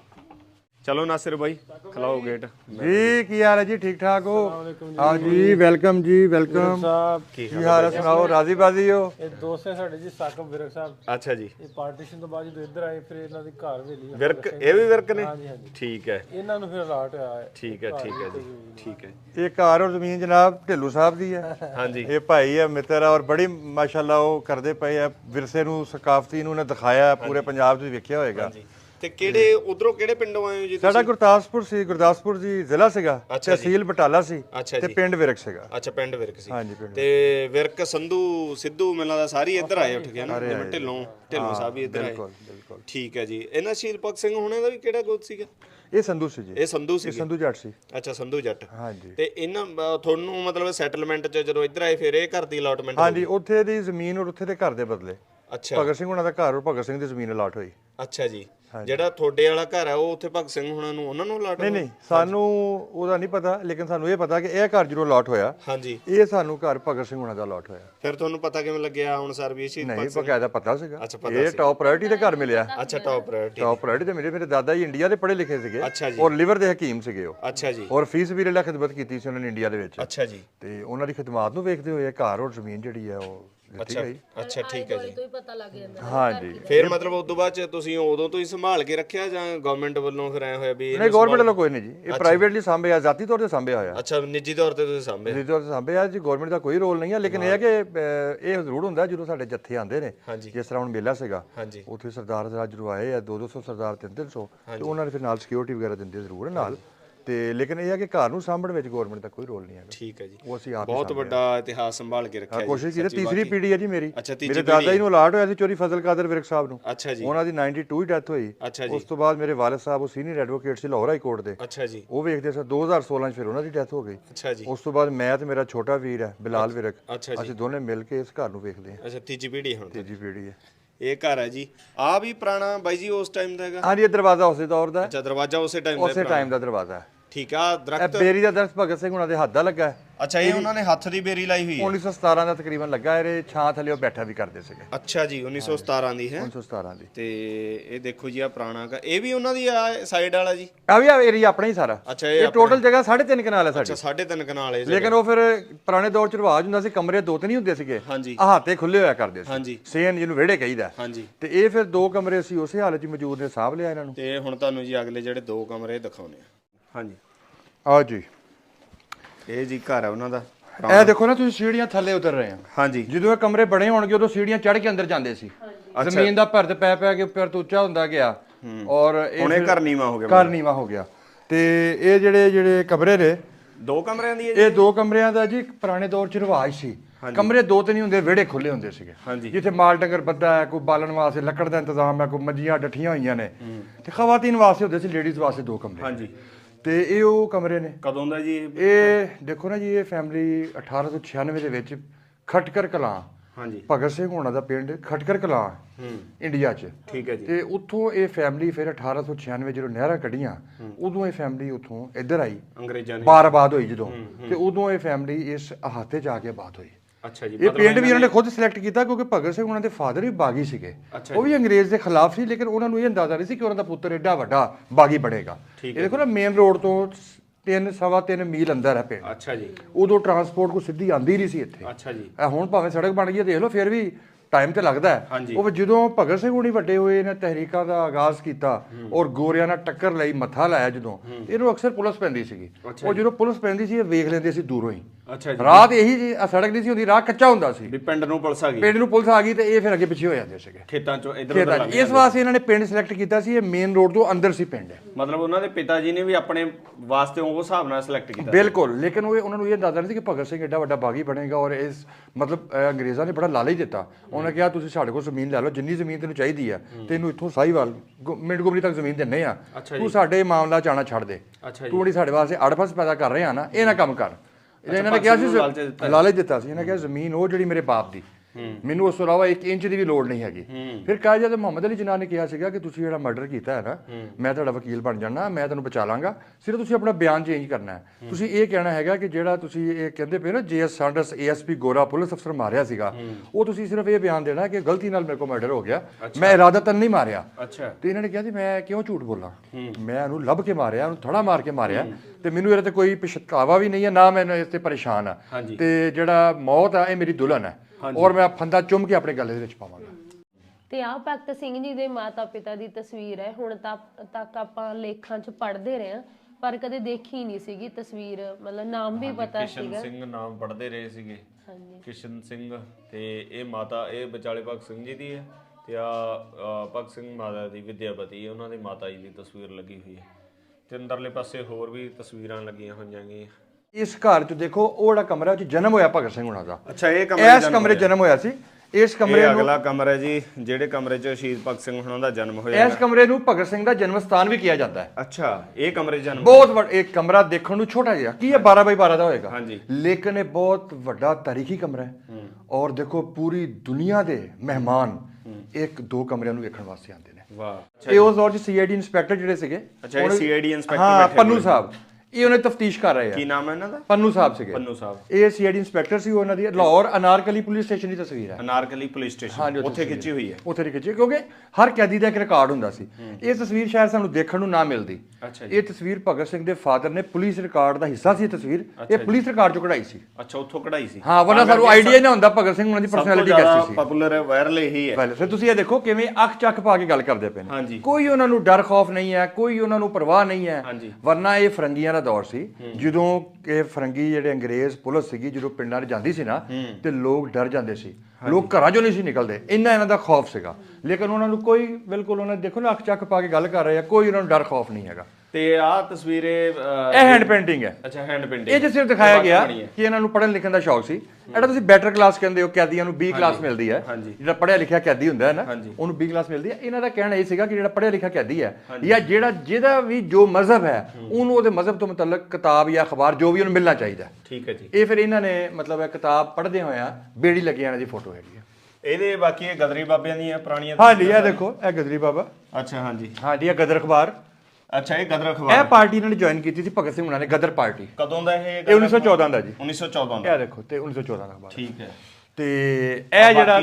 ਚਲੋ ਨਾਸਿਰ ਬਾਈ, ਖਲਾਓ ਗੇਟ ਜੀ। ਕੀ ਹਾਲ ਹੈ ਜੀ? ਠੀਕ ਠਾਕ ਹੋ? ਹਾਂ ਜੀ, ਵੈਲਕਮ ਜੀ, ਵੈਲਕਮ। ਕੀ ਹਾਲ ਹੈ? ਸੁਣਾਓ, ਰਾਜ਼ੀ ਬਾਜ਼ੀ ਹੋ? ਇਹ ਦੋਸਤ ਹੈ ਸਾਡੇ ਜੀ, ਸਾਕਬ ਵਿਰਕ ਸਾਹਿਬ। ਅੱਛਾ ਜੀ। ਇਹ ਪਾਰਟੀਸ਼ਨ ਤੋਂ ਬਾਅਦ ਜਦੋਂ ਇੱਧਰ ਆਏ, ਫਿਰ ਇਹਨਾਂ ਦੀ ਘਰ ਹਵੇਲੀ ਵਿਰਕ, ਇਹ ਵੀ ਵਿਰਕ ਨੇ? ਹਾਂਜੀ ਹਾਂਜੀ, ਠੀਕ ਹੈ, ਇਹਨਾਂ ਨੂੰ ਫਿਰ ਅਲਾਟ ਹੋਇਆ ਹੈ। ਠੀਕ ਹੈ, ਠੀਕ ਹੈ ਜੀ, ਠੀਕ ਹੈ। ਇਹ ਘਰ ਔਰ ਜ਼ਮੀਨ ਜਨਾਬ ਢਿੱਲੋਂ ਸਾਹਿਬ ਦੀ ਹੈ। ਹਾਂਜੀ, ਇਹ ਭਾਈ ਹੈ, ਮਿੱਤਰ ਹੈ ਔਰ ਬੜੀ ਮਾਸ਼ਾਅੱਲਾ ਉਹ ਕਰਦੇ ਪਏ ਆ ਵਿਰਸੇ ਨੂੰ, ਸਕਾਫਤੀ ਨੂੰ ਨੇ ਦਿਖਾਇਆ। ਪੂਰੇ ਪੰਜਾਬ 'ਚ ਵੇਖਿਆ ਹੋਏਗਾ। ਤੇ ਕਿਹੜੇ ਉਧਰੋਂ ਕਿਹੜੇ ਪਿੰਡੋਂ ਆਏ ਹੋ ਜੀ? ਸਾਡਾ ਗੁਰਦਾਸਪੁਰ ਸੀ। ਗੁਰਦਾਸਪੁਰ ਜੀ ਜ਼ਿਲ੍ਹਾ ਸੀਗਾ, ਤਹਿਸੀਲ ਬਟਾਲਾ ਸੀ ਤੇ ਪਿੰਡ ਵਿਰਕ ਸੀਗਾ। ਅੱਛਾ, ਪਿੰਡ ਵਿਰਕ ਸੀ। ਹਾਂਜੀ, ਪਿੰਡ। ਤੇ ਵਿਰਕ ਸੰਧੂ ਸਿੱਧੂ ਮੈਨੂੰ ਲੱਗਦਾ ਸਾਰੇ ਇੱਧਰ ਆਏ ਉੱਠ ਕੇ ਨਾ, ਜਿਵੇਂ ਢਿੱਲੋਂ ਸਾਹਿਬ ਵੀ ਇੱਧਰ ਆਏ। ਬਿਲਕੁਲ। ਠੀਕ ਹੈ ਜੀ। ਇਹਨਾਂ ਸ਼ਹੀਦ ਭਗਤ ਸਿੰਘ ਹੁਣਾਂ ਦਾ ਵੀ ਕਿਹੜਾ ਗੋਤ ਸੀਗਾ? ਇਹ ਸੰਧੂ ਸੀ ਜੀ। ਇਹ ਸੰਧੂ ਸੀ। ਸੰਧੂ ਜੱਟ ਸੀ। ਅੱਛਾ, ਸੰਧੂ ਜੱਟ। ਹਾਂਜੀ। ਤੇ ਇਹਨਾਂ ਤੁਹਾਨੂੰ ਮਤਲਬ ਸੈਟਲਮੈਂਟ 'ਚ ਜਦੋਂ ਇੱਧਰ ਆਏ ਫਿਰ ਇਹ ਘਰ ਦੀ ਅਲਾਟਮੈਂਟ? ਹਾਂਜੀ, ਉੱਥੇ ਦੀ ਜ਼ਮੀਨ ਔਰ ਉੱਥੇ ਦੇ ਘਰ ਦੇ ਬਦਲੇ। ਅੱਛਾ, ਭਗਤ ਸਿੰਘ ਹੁਣਾਂ ਦਾ ਘਰ ਔਰ ਭਗਤ ਸਿੰਘ ਦੀ ਜ਼ਮੀਨ ਅਲਾਟ ਹੋਈ। ਅੱਛਾ ਜੀ। ਜਿਹੜਾ ਤੁਹਾਡੇ ਵਾਲਾ ਘਰ ਹੈ ਉਹ ਉੱਥੇ ਭਗਤ ਸਿੰਘ ਹੁਣਾਂ ਨੂੰ ਉਹਨਾਂ ਨੂੰ ਅਲਾਟ? ਨਹੀਂ, ਸਾਨੂੰ ਉਹਦਾ ਨਹੀਂ ਪਤਾ, ਲੇਕਿਨ ਸਾਨੂੰ ਇਹ ਪਤਾ ਕਿ ਇਹ ਘਰ ਜਦੋਂ ਅਲਾਟ ਹੋਇਆ, ਹਾਂਜੀ, ਇਹ ਸਾਨੂੰ ਘਰ ਭਗਤ ਸਿੰਘ ਹੁਣਾਂ ਦਾ ਅਲਾਟ ਹੋਇਆ। ਫਿਰ ਤੁਹਾਨੂੰ ਪਤਾ ਕਿਵੇਂ ਲੱਗਿਆ ਹੁਣ ਸਰ ਵੀ ਸ਼ਹੀਦ ਨਹੀਂ, ਬਕਾਇਦਾ ਪਤਾ ਸੀਗਾ। ਅੱਛਾ, ਪਤਾ ਇਹ ਟੌਪ ਪ੍ਰਾਇੋਰਟੀ ਦੇ ਘਰ ਮਿਲਿਆ। ਅੱਛਾ, ਟੌਪ ਪ੍ਰਾਇੋਰਟੀ। ਟੌਪ ਪ੍ਰਾਇੋਰਟੀ ਤੇ ਮੇਰੇ ਦਾਦਾ ਜੀ ਇੰਡੀਆ ਦੇ ਪੜ੍ਹੇ ਲਿਖੇ ਸੀਗੇ ਔਰ ਲਿਵਰ ਦੇ ਹਕੀਮ ਸੀਗੇ ਉਹ। ਅੱਛਾ ਜੀ। ਔਰ ਫੀਸ ਵੀ ਲੈ ਖਿਦਮਤ ਕੀਤੀ ਸੀ ਉਹਨਾਂ ਨੇ ਇੰਡੀਆ ਦੇ ਵਿੱਚ। ਅੱਛਾ ਜੀ। ਤੇ ਉਹਨਾਂ ਦੀ ਖਿਦਮਤ ਨੂੰ ਵੇਖਦੇ ਹੋਏ ਘਰ ਔਰ ਜ਼ਮੀਨ ਜਿਹੜੀ ਹੈ ਉਹ ਦਿੱਤੀ ਗਈ। ਅੱਛਾ, ਠੀਕ ਹੈ ਜੀ। ਹਾਂਜੀ। ਫਿਰ ਮਤਲਬ ਉਸ ਤੋਂ ਬਾਅਦ ਚ ਤੁਸੀਂ ਉਦੋਂ ਤੋਂ ਹੀ ਸੰਭਾਲ ਕੇ ਰੱਖਿਆ ਜਾਂ ਗਵਰਨਮੈਂਟ ਵੱਲੋਂ ਫਿਰ ਐ ਹੋਇਆ ਵੀ? ਨਹੀਂ, ਗਵਰਨਮੈਂਟ ਵੱਲੋਂ ਕੋਈ ਨਹੀਂ ਜੀ, ਇਹ ਪ੍ਰਾਈਵੇਟਲੀ ਸਾਂਭਿਆ, ਜ਼ਾਤੀ ਤੌਰ ਤੇ ਸਾਂਭਿਆ ਹੋਇਆ। ਅੱਛਾ, ਨਿੱਜੀ ਤੌਰ ਤੇ ਤੁਸੀਂ ਸਾਂਭਿਆ? ਨਿੱਜੀ ਤੌਰ ਤੇ ਸਾਂਭਿਆ ਜੀ। ਗਵਰਨਮੈਂਟ ਦਾ ਕੋਈ ਰੋਲ ਨਹੀਂ ਹੈ, ਲੇਕਿਨ ਇਹ ਹੈ ਕਿ ਇਹ ਜ਼ਰੂਰ ਹੁੰਦਾ ਜਦੋਂ ਸਾਡੇ ਜੱਥੇ ਆਉਂਦੇ ਨੇ, ਜਿਸ ਤਰ੍ਹਾਂ ਹੁਣ ਮੇਲਾ ਸੀਗਾ, ਉੱਥੇ ਸਰਦਾਰ ਜਦੋਂ ਆਏ ਆ 200 ਸਰਦਾਰ 300 ਤੇ ਉਹਨਾਂ ਨੇ ਫਿਰ ਨਾਲ ਸਿਕਿਉਰਿਟੀ ਵਗੈਰਾ ਦਿੰਦੇ ਜ਼ਰੂਰ ਨਾਲ। ਤੇ ਲੇਕਿਨ ਇਹ ਹੈ ਕਿ ਘਰ ਨੂੰ ਸਾਂਭਣ ਵਿੱਚ ਗਵਰਨਮੈਂਟ ਦਾ ਕੋਈ ਰੋਲ ਨਹੀਂ ਹੈ। ਠੀਕ ਹੈ ਜੀ। ਉਹ ਅਸੀਂ ਆਪ ਬਹੁਤ ਵੱਡਾ ਇਤਿਹਾਸ ਸੰਭਾਲ ਕੇ ਰੱਖਿਆ ਜੀ। ਕੋਸ਼ਿਸ਼ ਕੀਤੀ। ਤੀਸਰੀ ਪੀੜ੍ਹੀ ਹੈ ਜੀ ਮੇਰੀ। ਅੱਛਾ, ਤੀਜੀ ਮੇਰੇ ਦਾਦਾ ਜੀ ਨੂੰ ਅਲਾਟ ਹੋਇਆ ਸੀ ਚੋਰੀ ਫਜ਼ਲ ਕਾਦਰ ਵਿਰਕ ਸਾਹਿਬ ਨੂੰ। ਅੱਛਾ ਜੀ। ਉਹਨਾਂ ਦੀ 92 ਹੀ ਡੈਥ ਹੋਈ। ਅੱਛਾ ਜੀ। ਉਸ ਤੋਂ ਬਾਅਦ ਮੇਰੇ ਵਾਲਿਦ ਸਾਹਿਬ ਉਹ ਸੀਨੀਅਰ ਐਡਵੋਕੇਟ ਸੀ ਲਾਹੌਰ ਹਾਈ ਕੋਰਟ ਦੇ। ਅੱਛਾ ਜੀ। ਉਹ ਵੇਖਦੇ ਸਨ। 2016 ਚ ਫਿਰ ਉਹਨਾਂ ਦੀ ਡੈਥ ਹੋ ਗਈ। ਅੱਛਾ ਜੀ। ਉਸ ਤੋਂ ਬਾਅਦ ਮੈਂ ਤੇ ਮੇਰਾ ਛੋਟਾ ਵੀਰ ਹੈ ਬਿਲਾਲ ਵਿਰਕ, ਅੱਛਾ ਜੀ, ਅਸੀਂ ਦੋਨੇ ਮਿਲ ਕੇ ਇਸ ਘਰ ਨੂੰ ਵੇਖਦੇ ਹਾਂ। ਅੱਛਾ, ਤੀਜੀ ਪੀੜ੍ਹੀ ਹੁਣ? ਤੀਜੀ ਪੀੜ੍ਹੀ ਹੈ। ਇਹ ਘਰ ਹੈ ਜੀ। ਆ ਵੀ ਪੁਰਾਣਾ ਬਾਈ ਜੀ ਉਸ ਟਾਈਮ ਦਾ ਹੈਗਾ? ਹਾਂਜੀ, ਇਹ ਦਰਵਾਜ਼ਾ ਉਸੇ ਦੌਰ ਦਾ। ਅੱਛਾ, ਦਰਵਾਜ਼ਾ ਉਸੇ ਟਾਈਮ ਦਾ? ਉਸੇ ਟਾਈਮ ਦਾ ਦਰਵਾਜ਼ਾ ਹੈ। ਠੀਕ ਆ। ਦਰਖਤ? ਬੇਰੀ ਦਾ ਦਰਖਤ ਭਗਤ ਸਿੰਘ ਹੁਣਾਂ ਦੇ ਹੱਥ ਦਾ ਲੱਗਾ ਹੈ। ਅੱਛਾ, ਇਹ ਉਹਨਾਂ ਨੇ ਹੱਥ ਦੀ ਬੇਰੀ ਲਾਈ ਹੋਈ ਹੈ? 1917 ਦਾ ਤਕਰੀਬਨ ਲੱਗਾ। ਇਹ ਛਾਂ ਥੱਲੇ ਉਹ ਬੈਠਾ ਵੀ ਕਰਦੇ ਸੀਗੇ। ਅੱਛਾ ਜੀ, 1917 ਦੀ ਹੈ? 1917 ਦੀ। ਤੇ ਇਹ ਦੇਖੋ ਜੀ, ਆ ਪੁਰਾਣਾ ਇਹ ਵੀ ਉਹਨਾਂ ਦੀ ਸਾਈਡ ਵਾਲਾ ਜੀ? ਆ ਵੀ ਏਰੀਆ ਆਪਣਾ ਹੀ ਸਾਰਾ। ਅੱਛਾ, ਇਹ ਟੋਟਲ ਜਗ੍ਹਾ 3.5 ਕਨਾਲ ਹੈ ਸਾਡੀ। ਅੱਛਾ, 3.5 ਕਨਾਲ ਹੈ। ਲੇਕਿਨ ਉਹ ਫਿਰ ਪੁਰਾਣੇ ਦੌਰ ਚ ਰਿਵਾਜ ਹੁੰਦਾ ਸੀ, ਕਮਰੇ ਦੋ ਤੇ ਨਹੀਂ ਹੁੰਦੇ ਸੀਗੇ। ਹਾਂਜੀ। ਹਾਤੇ ਖੁੱਲੇ ਹੋਇਆ ਕਰਦੇ ਸੀ। ਹਾਂਜੀ। ਸੇਨ ਜਿਹਨੂੰ ਵਿਹੜੇ ਕਹੀਦਾ। ਹਾਂਜੀ। ਤੇ ਇਹ ਫਿਰ ਦੋ ਕਮਰੇ ਸੀ ਉਸੇ ਹਾਲਤ 'ਚ ਮੌਜੂਦ ਨੇ, ਸਾਂਭ ਲਿਆ ਇਹਨਾਂ ਨੂੰ। ਤੇ ਹੁਣ ਤੁਹਾਨੂੰ ਜੀ ਅਗਲੇ ਜਿਹੜੇ ਦੋ ਕਮਰੇ ਦਿਖਾਉਣੇ ਆ। ਹਾਂਜੀ, ਆਓ ਜੀ। ਇਹ ਜੀ ਘਰ ਹੈ ਉਹਨਾਂ ਦਾ। ਇਹ ਦੇਖੋ ਨਾ, ਤੁਸੀਂ ਸੀੜੀਆਂ ਥੱਲੇ ਉਤਰ ਰਹੇ ਆ। ਹਾਂਜੀ। ਜਦੋਂ ਇਹ ਕਮਰੇ ਬਣੇ ਹੋਣਗੇ ਉਦੋਂ ਸੀੜੀਆਂ ਚੜ੍ਹ ਕੇ ਅੰਦਰ ਜਾਂਦੇ ਸੀ। ਜ਼ਮੀਨ ਦਾ ਭਰਤ ਪੈ ਕੇ ਉੱਪਰ ਤੋਂ ਉੱਚਾ ਹੁੰਦਾ ਗਿਆ ਔਰ ਹੁਣ ਇਹ ਘਰ ਨੀਵਾਂ ਹੋ ਗਿਆ। ਘਰ ਨੀਵਾਂ ਹੋ ਗਿਆ। ਤੇ ਇਹ ਜਿਹੜੇ ਕਮਰੇ ਨੇ, ਦੋ ਕਮਰਿਆਂ ਦੀ? ਇਹ ਦੋ ਕਮਰਿਆਂ ਦਾ ਜੀ ਪੁਰਾਣੇ ਦੌਰ 'ਚ ਰਿਵਾਜ ਸੀ। ਕਮਰੇ ਦੋ ਤੇ ਨਹੀਂ ਹੁੰਦੇ, ਵਿਹੜੇ ਖੁੱਲੇ ਹੁੰਦੇ ਸੀਗੇ ਜਿੱਥੇ ਮਾਲ ਡੰਗਰ ਬੱਧਾ ਹੈ, ਕੋਈ ਬਾਲਣ ਵਾਸਤੇ ਲੱਕੜ ਦਾ ਇੰਤਜ਼ਾਮ ਹੈ, ਕੋਈ ਮੱਝੀਆਂ ਡੱਠੀਆਂ ਹੋਈਆਂ ਨੇ, ਤੇ ਖਵਾਤੀਨ ਵਾਸਤੇ ਹੁੰਦੇ ਸੀ, ਲੇਡੀਜ਼ ਵਾਸਤੇ ਦੋ ਕਮਰੇ। ਹਾਂਜੀ। ਤੇ ਇਹ ਉਹ ਕਮਰੇ ਨੇ। ਕਦੋਂ ਦਾ ਜੀ ਇਹ ਦੇਖੋ ਨਾ ਜੀ, ਇਹ ਫੈਮਿਲੀ 1896 ਦੇ ਵਿੱਚ ਖਟਕਰ ਕਲਾਂ ਹਾਂਜੀ ਭਗਤ ਸਿੰਘ ਹੋਣਾ ਦਾ ਪਿੰਡ ਖਟਕਰ ਕਲਾਂ ਇੰਡੀਆ 'ਚ। ਠੀਕ ਹੈ ਜੀ। ਤੇ ਉੱਥੋਂ ਇਹ ਫੈਮਿਲੀ ਫਿਰ 1896 ਜਦੋਂ ਨਹਿਰਾਂ ਕੱਢੀਆਂ ਉਦੋਂ ਇਹ ਫੈਮਿਲੀ ਉੱਥੋਂ ਇੱਧਰ ਆਈ, ਅੰਗਰੇਜ਼ਾਂ ਨੇ। ਬਾਰ ਆਬਾਦ ਹੋਈ ਜਦੋਂ, ਤੇ ਉਦੋਂ ਇਹ ਫੈਮਿਲੀ ਇਸ ਅਹਾਤੇ ਜਾ ਕੇ ਆਬਾਦ ਹੋਈ। ਅੱਛਾ ਜੀ। ਇਹ ਪਿੰਡ ਵੀ ਇਹਨਾਂ ਨੇ ਖੁਦ ਸਿਲੈਕਟ ਕੀਤਾ ਕਿਉਂਕਿ ਭਗਤ ਸਿੰਘ ਉਹਨਾਂ ਦੇ ਫਾਦਰ ਵੀ ਬਾਗੀ ਸੀਗੇ। ਉਹ ਵੀ ਅੰਗਰੇਜ਼ ਦੇ ਖਿਲਾਫ ਸੀ, ਲੇਕਿਨ ਉਹਨਾਂ ਨੂੰ ਇਹ ਅੰਦਾਜ਼ਾ ਨਹੀਂ ਸੀ ਕਿ ਉਹਨਾਂ ਦਾ ਪੁੱਤਰ ਐਡਾ ਵੱਡਾ ਬਾਗੀ ਬਣੇਗਾ। ਇਹ ਦੇਖੋ ਨਾ, ਮੇਨ ਰੋਡ ਤੋਂ 3-3.25 ਮੀਲ ਅੰਦਰ ਹੈ ਪਿੰਡ। ਅੱਛਾ ਜੀ। ਉਦੋਂ ਟਰਾਂਸਪੋਰਟ ਕੋਈ ਸਿੱਧੀ ਆਂਦੀ ਨਹੀਂ ਸੀ ਇੱਥੇ। ਅੱਛਾ ਜੀ। ਹੁਣ ਭਾਵੇਂ ਸੜਕ ਬਣ ਗਈ ਹੈ, ਦੇਖ ਲਓ, ਫਿਰ ਵੀ ਟਾਈਮ ਤੇ ਲੱਗਦਾ ਹੈ। ਉਹ ਜਦੋਂ ਭਗਤ ਸਿੰਘ ਹੁਣੀ ਵੱਡੇ ਹੋਏ, ਇਹਨਾਂ ਤਹਿਰੀਕਾਂ ਦਾ ਆਗਾਜ਼ ਕੀਤਾ ਔਰ ਗੋਰਿਆਂ ਨਾਲ ਟੱਕਰ ਲਈ, ਮੱਥਾ ਲਾਇਆ ਜਦੋਂ, ਇਹਨੂੰ ਅਕਸਰ ਪੁਲਿਸ ਪੈਂਦੀ ਸੀਗੀ। ਉਹ ਜਦੋਂ ਪੁਲਿਸ ਪੈਂਦੀ ਸੀ ਇਹ ਵੇਖ ਲੈਂਦੇ ਸੀ ਦੂਰੋਂ ਹੀ। ਅੱਛਾ ਜੀ। ਰਾਤ ਇਹੀ ਜੀ ਸੜਕ ਨਹੀਂ ਸੀ ਹੁੰਦੀ, ਰਾਹ ਕੱਚਾ ਹੁੰਦਾ ਸੀ ਵੀ ਪਿੰਡ ਨੂੰ ਪੁਲਿਸ ਆ ਗਈ, ਪਿੰਡ ਨੂੰ ਪੁਲਿਸ ਆ ਗਈ ਤੇ ਇਹ ਫਿਰ ਅੱਗੇ ਪਿੱਛੇ ਹੋ ਜਾਂਦੇ ਸੀਗੇ ਖੇਤਾਂ ਚੋਂ ਇੱਧਰ ਉੱਧਰ ਲੱਗ ਇਸ ਵਾਸਤੇ ਇਹਨਾਂ ਨੇ ਪਿੰਡ ਸਿਲੈਕਟ ਕੀਤਾ ਸੀ। ਇਹ ਮੇਨ ਰੋਡ ਤੋਂ ਅੰਦਰ ਸੀ ਪਿੰਡ। ਮਤਲਬ ਉਹਨਾਂ ਦੇ ਪਿਤਾ ਜੀ ਨੇ ਵੀ ਆਪਣੇ ਵਾਸਤੇ ਉਹ ਹਿਸਾਬ ਨਾਲ ਸਿਲੈਕਟ ਕੀਤਾ। ਬਿਲਕੁਲ, ਲੇਕਿਨ ਉਹਨਾਂ ਨੂੰ ਇਹ ਅੰਦਾਜ਼ਾ ਨਹੀਂ ਸੀ ਕਿ ਭਗਤ ਸਿੰਘ ਐਡਾ ਵੱਡਾ ਬਾਗੀ ਬਣੇਗਾ। ਔਰ ਇਸ ਮਤਲਬ ਅੰਗਰੇਜ਼ਾਂ ਨੇ ਬੜਾ ਲਾਲਚ ਦਿੱਤਾ। ਉਹਨਾਂ ਕਿਹਾ ਤੁਸੀਂ ਸਾਡੇ ਕੋਲ ਜ਼ਮੀਨ ਲੈ ਲਓ, ਜਿੰਨੀ ਜ਼ਮੀਨ ਤੈਨੂੰ ਚਾਹੀਦੀ ਆ, ਤੈਨੂੰ ਇੱਥੋਂ ਸਾਹੀਵਾਲ ਮਿੰਟ ਗੁਮਰੀ ਤੱਕ ਜ਼ਮੀਨ ਦਿੰਨੇ ਆ, ਤੂੰ ਸਾਡੇ ਮਾਮਲਾ ਚ ਆਉਣਾ ਛੱਡ ਦੇ, ਤੂੰ ਜਿਹੜੀ ਸਾਡੇ ਵਾਸਤੇ ਅੜਫਸ ਪੈਦਾ ਕਰ ਰਿਹਾ ਨਾ, ਇਹ ਨਾ ਕੰਮ ਕਰ। ਇਹਨਾਂ ਨੇ ਕਿਹਾ ਸੀ, ਲਾਲਚ ਦਿੱਤਾ ਸੀ। ਇਹਨਾਂ ਕਿਹਾ ਜ਼ਮੀਨ ਉਹ ਜਿਹੜੀ ਮੇਰੇ ਬਾਪ ਦੀ, ਮੈਨੂੰ ਉਸ ਤੋਂ ਇਲਾਵਾ 1 ਇੰਚ ਦੀ ਵੀ ਲੋੜ ਨਹੀਂ ਹੈਗੀ। ਫਿਰ ਕਹਾ ਜਦ ਮੁਹੰਮਦ ਅਲੀ ਜਿਨਾਹ ਨੇ ਕਿਹਾ ਸੀਗਾ ਕਿ ਤੁਸੀਂ ਜਿਹੜਾ ਮਰਡਰ ਕੀਤਾ ਹੈ ਨਾ, ਮੈਂ ਤੁਹਾਡਾ ਵਕੀਲ ਬਣ ਜਾਣਾ, ਮੈਂ ਤੁਹਾਨੂੰ ਬਚਾ ਲਾਂਗਾ, ਸਿਰਫ ਤੁਸੀਂ ਆਪਣਾ ਬਿਆਨ ਚੇਂਜ ਕਰਨਾ ਹੈ। ਤੁਸੀਂ ਇਹ ਕਹਿਣਾ ਹੈਗਾ ਕਿ ਜਿਹੜਾ ਤੁਸੀਂ ਇਹ ਕਹਿੰਦੇ ਪਏ ਨਾ JS ਸਾਂਡਰਸ ASP ਗੋਰਾ ਪੁਲਿਸ ਅਫਸਰ ਮਾਰਿਆ ਸੀਗਾ, ਉਹ ਤੁਸੀਂ ਸਿਰਫ ਇਹ ਬਿਆਨ ਦੇਣਾ ਕਿ ਗਲਤੀ ਨਾਲ ਮੇਰੇ ਕੋਲ ਮਰਡਰ ਹੋ ਗਿਆ, ਮੈਂ ਇਰਾਦਤਨ ਨਹੀਂ ਮਾਰਿਆ। ਤੇ ਇਹਨਾਂ ਨੇ ਕਿਹਾ ਜੀ ਮੈਂ ਕਿਉਂ ਝੂਠ ਬੋਲਾਂ, ਮੈਂ ਉਹਨੂੰ ਲੱਭ ਕੇ ਮਾਰਿਆ, ਉਹਨੂੰ ਥੜਾ ਮਾਰ ਕੇ ਮਾਰਿਆ, ਤੇ ਮੈਨੂੰ ਇਹਦੇ ਤੇ ਕੋਈ ਪਛਤਾਵਾ ਵੀ ਨਹੀਂ ਹੈ, ਨਾ ਮੈਨੂੰ ਇਸ ਤੇ ਪਰੇਸ਼ਾਨ ਆ, ਤੇ ਜਿਹੜਾ ਮੌਤ ਆ ਇਹ ਮੇਰੀ ਦੁਲਹਨ ਹੈ, ਔਰ ਮੈਂ ਫੰਦਾ ਚੁੰਮ ਕੇ ਆਪਣੇ ਗਲੇ ਦੇ ਵਿੱਚ ਪਾਵਾਂਗਾ। ਤੇ ਆਹ ਭਗਤ ਸਿੰਘ ਜੀ ਦੇ ਮਾਤਾ ਪਿਤਾ ਦੀ ਤਸਵੀਰ ਹੈ। ਹੁਣ ਤੱਕ ਆਪਾਂ ਲੇਖਾਂ 'ਚ ਪੜ੍ਹਦੇ ਰਹੇ ਹਾਂ, ਪਰ ਕਦੇ ਦੇਖੀ ਨਹੀਂ ਸੀਗੀ ਤਸਵੀਰ। ਮਤਲਬ ਨਾਮ ਵੀ ਪਤਾ ਸੀਗਾ, ਕਿਸ਼ਨ ਸਿੰਘ ਨਾਮ ਪੜ੍ਹਦੇ ਰਹੇ ਸੀਗੇ। ਕਿਸ਼ਨ ਸਿੰਘ ਤੇ ਇਹ ਮਾਤਾ, ਇਹ ਵਿਚਾਲੇ ਭਗਤ ਸਿੰਘ ਜੀ ਦੀ ਹੈ, ਤੇ ਆ ਭਗਤ ਸਿੰਘ ਮਾਤਾ ਦੀ ਵਿਦਿਆਪਤੀ, ਉਹਨਾਂ ਦੇ ਮਾਤਾ ਜੀ ਦੀ ਤਸਵੀਰ ਲੱਗੀ ਹੋਈ ਹੈ, ਤੇ ਅੰਦਰਲੇ ਪਾਸੇ ਹੋਰ ਵੀ ਤਸਵੀਰਾਂ ਲੱਗੀਆਂ ਹੋਈਆਂ ਗਈਆਂ। ਇਸ ਘਰ 'ਚ ਦੇਖੋ, ਉਹ ਜਿਹੜਾ ਕਮਰਾ 'ਚ ਜਨਮ ਹੋਇਆ ਭਗਤ ਸਿੰਘ ਹੁਣਾਂ ਦਾ। ਅੱਛਾ, ਇਹ ਇਸ ਕਮਰੇ ਜਨਮ ਹੋਇਆ ਸੀ। ਇਸ ਕਮਰੇ ਨੂੰ, ਅਗਲਾ ਕਮਰਾ ਜੀ, ਜਿਹੜੇ ਕਮਰੇ 'ਚ ਸ਼ਹੀਦ ਭਗਤ ਸਿੰਘ ਹੁਣਾਂ ਦਾ ਜਨਮ ਹੋਇਆ, ਇਸ ਕਮਰੇ ਨੂੰ ਭਗਤ ਸਿੰਘ ਦਾ ਜਨਮ ਸਥਾਨ ਵੀ ਕਿਹਾ ਜਾਂਦਾ ਹੈ। ਅੱਛਾ, ਇਹ ਕਮਰੇ ਜਨਮ ਬਹੁਤ ਵੱਡਾ ਇੱਕ ਕਮਰਾ, ਦੇਖਣ ਨੂੰ ਛੋਟਾ ਜਿਹਾ, ਕੀ ਹੈ 12 ਬਾਈ 12 ਦਾ ਹੋਏਗਾ, ਹਾਂਜੀ, ਲੇਕਿਨ ਇਹ ਬਹੁਤ ਵੱਡਾ ਤਾਰੀਖੀ ਕਮਰਾ ਹੈ। ਔਰ ਦੇਖੋ ਪੂਰੀ ਦੁਨੀਆ ਦੇ ਮਹਿਮਾਨ 1-2 ਕਮਰਿਆਂ ਨੂੰ ਵੇਖਣ ਵਾਸਤੇ ਆਉਂਦੇ ਨੇ। ਵਾਹ। ਇਹ ਉਸ ਦੌਰ 'ਚ CID ਇੰਸਪੈਕਟਰ ਜਿਹੜੇ ਸੀਗੇ, ਅੱਛਾ, ਇਹ CID ਇੰਸਪੈਕਟਰ ਹਾਂ, ਬੈਠੇ ਪੰਨੂ ਸਾਹਿਬ, ਇਹ ਉਹਨੇ ਤਫਤੀਸ਼ ਕਰ ਰਹੇ ਆ। ਕੀ ਨਾਮ ਹੈ ਇਹਨਾਂ ਦਾ? ਪੰਨੂ ਸਾਹਿਬ ਸੀਗੇ। ਪੰਨੂ ਸਾਹਿਬ, ਇਹ CID ਇੰਸਪੈਕਟਰ ਸੀ। ਉਹਨਾਂ ਦੀ ਲਾਹੌਰ ਅਨਾਰਕਲੀ ਪੁਲਿਸ ਸਟੇਸ਼ਨ ਦੀ ਤਸਵੀਰ ਹੈ। ਅਨਾਰਕਲੀ ਪੁਲਿਸ ਸਟੇਸ਼ਨ ਉੱਥੇ ਖਿੱਚੀ ਹੋਈ ਹੈ। ਉੱਥੇ ਖਿੱਚੀ, ਕਿਉਂਕਿ ਹਰ ਕੈਦੀ ਦਾ ਇੱਕ ਰਿਕਾਰਡ ਹੁੰਦਾ ਸੀ। ਇਹ ਤਸਵੀਰ ਸ਼ਾਇਦ ਸਾਨੂੰ ਦੇਖਣ ਨੂੰ ਨਾ ਮਿਲਦੀ। ਅੱਛਾ ਜੀ। ਇਹ ਤਸਵੀਰ ਭਗਤ ਸਿੰਘ ਦੇ ਫਾਦਰ ਨੇ ਪੁਲਿਸ ਰਿਕਾਰਡ ਦਾ ਹਿੱਸਾ ਸੀ। ਇਹ ਤਸਵੀਰ ਇਹ ਪੁਲਿਸ ਰਿਕਾਰਡ ਚੋਂ ਕਢਾਈ ਸੀ। ਅੱਛਾ, ਉੱਥੋਂ ਕਢਾਈ ਸੀ। ਹਾਂ, ਵਰਨਾ ਸਾਨੂੰ ਆਈਡੀਆ ਹੀ ਨਾ ਹੁੰਦਾ ਭਗਤ ਸਿੰਘ ਉਹਨਾਂ ਦੀ ਪਰਸਨੈਲਿਟੀ ਕੈਸੀ ਸੀ। ਪਪੂਲਰ ਵਾਇਰਲ ਇਹੀ ਹੈ। ਪਹਿਲੇ ਫਿਰ ਤੁਸੀਂ ਇਹ ਦੇਖੋ ਕਿਵੇਂ ਅੱਖ ਚੱਕ ਪਾ ਕੇ ਗੱਲ ਕਰਦੇ ਪਏ ਨੇ। ਕੋਈ ਉਹਨਾਂ ਨੂੰ ਡਰ ਖੌਫ ਨਹੀਂ ਹੈ, ਕੋਈ ਉਹਨਾਂ ਨੂੰ ਪਰਵਾਹ ਨਹੀਂ ਹੈ। ਵਰਨਾ ਇਹ ਫਰੰਗੀਆਂ ਦਾ ਦੌਰ ਸੀ, ਜਦੋਂ ਕਿ ਫਰੰਗੀ ਜਿਹੜੇ ਅੰਗਰੇਜ਼ ਪੁਲਿਸ ਸੀਗੀ, ਜਦੋਂ ਪਿੰਡਾਂ 'ਚ ਜਾਂਦੀ ਸੀ ਨਾ, ਤੇ ਲੋਕ ਡਰ ਜਾਂਦੇ ਸੀ, ਲੋਕ ਘਰਾਂ 'ਚੋਂ ਨਹੀਂ ਸੀ ਨਿਕਲਦੇ, ਇੰਨਾ ਇਹਨਾਂ ਦਾ ਖੌਫ ਸੀਗਾ। ਲੇਕਿਨ ਉਹਨਾਂ ਨੂੰ ਕੋਈ, ਬਿਲਕੁਲ ਉਹਨਾਂ ਦੇਖੋ ਨਾ, ਅੱਖ ਚੱਕ ਪਾ ਕੇ ਗੱਲ ਕਰ ਰਹੇ ਆ, ਕੋਈ ਉਹਨਾਂ ਨੂੰ ਡਰ ਖੌਫ ਨਹੀਂ ਹੈਗਾ। ਤੇ ਆਹ ਤਸਵੀਰ ਇਹ ਹੈਂਡ ਪੇਂਟਿੰਗ ਹੈ। ਅੱਛਾ, ਹੈਂਡ ਪੇਂਟਿੰਗ। ਇਹ ਜਿਸ ਸਿਰ ਦਿਖਾਇਆ ਗਿਆ ਕਿ ਇਹਨਾਂ ਨੂੰ ਪੜ੍ਹਨ ਲਿਖਣ ਦਾ ਸ਼ੌਕ ਸੀ। ਜਿਹੜਾ ਤੁਸੀਂ ਬੈਟਰ ਕਲਾਸ ਕਹਿੰਦੇ ਹੋ, ਕੈਦੀਆਂ ਨੂੰ B ਕਲਾਸ ਮਿਲਦੀ ਹੈ, ਜਿਹੜਾ ਪੜ੍ਹਿਆ ਲਿਖਿਆ ਕੈਦੀ ਹੁੰਦਾ ਹੈ ਨਾ, ਉਹਨੂੰ B ਕਲਾਸ ਮਿਲਦੀ ਹੈ। ਇਹਨਾਂ ਦਾ ਕਹਿਣਾ ਇਹ ਸੀਗਾ ਕਿ ਜਿਹੜਾ ਪੜ੍ਹਿਆ ਲਿਖਿਆ ਕੈਦੀ ਹੈ, ਜਾਂ ਜਿਹਦਾ ਵੀ ਜੋ ਮਜ਼ਹਬ ਹੈ, ਉਹਨੂੰ ਉਹਦੇ ਮਜ਼ਹਬ ਤੋਂ ਮੁਤਲਕ ਕਿਤਾਬ ਜਾਂ ਅਖਬਾਰ ਜੋ ਵੀ ਉਹਨੂੰ ਮਿਲਣਾ ਚਾਹੀਦਾ। ਠੀਕ ਹੈ ਜੀ। ਇਹ ਫਿਰ ਇਹਨਾਂ ਨੇ ਮਤਲਬ ਇਹ ਕਿਤਾਬ ਪੜ੍ਹਦੇ ਹੋਇਆ ਬੇੜੀ ਲੱਗੀ ਇਹਨਾਂ ਦੀ ਫੋਟੋ ਹੈਗੀ ਹੈ। ਇਹਦੇ ਬਾਕੀ ਇਹ ਗਦਰੀ ਬਾਬਿਆਂ ਦੀਆਂ ਪੁਰਾਣੀਆਂ। ਹਾਂਜੀ, ਇਹ ਦੇਖੋ, ਇਹ ਗਦਰੀ ਬਾਬਾ। ਅੱਛਾ, ਹਾਂਜੀ ਹਾਂਜੀ, ਇਹ ਗਦਰ ਅਖਬਾਰ। ਅੱਛਾ, ਇਹ ਗਦਰ ਅਖਬਾਰ। ਇਹ ਪਾਰਟੀ ਇਹਨਾਂ ਨੇ ਜੁਆਇਨ ਕੀਤੀ ਸੀ ਭਗਤ ਸਿੰਘ ਹੁਣਾਂ ਨੇ, ਗਦਰ ਪਾਰਟੀ। ਕਦੋਂ ਦਾ ਇਹ? 1914 ਦਾ ਜੀ। 1914 ਦਾ। ਇਹ ਦੇਖੋ, ਤੇ 1914 ਦਾ ਅਖਬਾਰ। ਠੀਕ ਹੈ। ਤੇ ਇਹ ਜਿਹੜਾ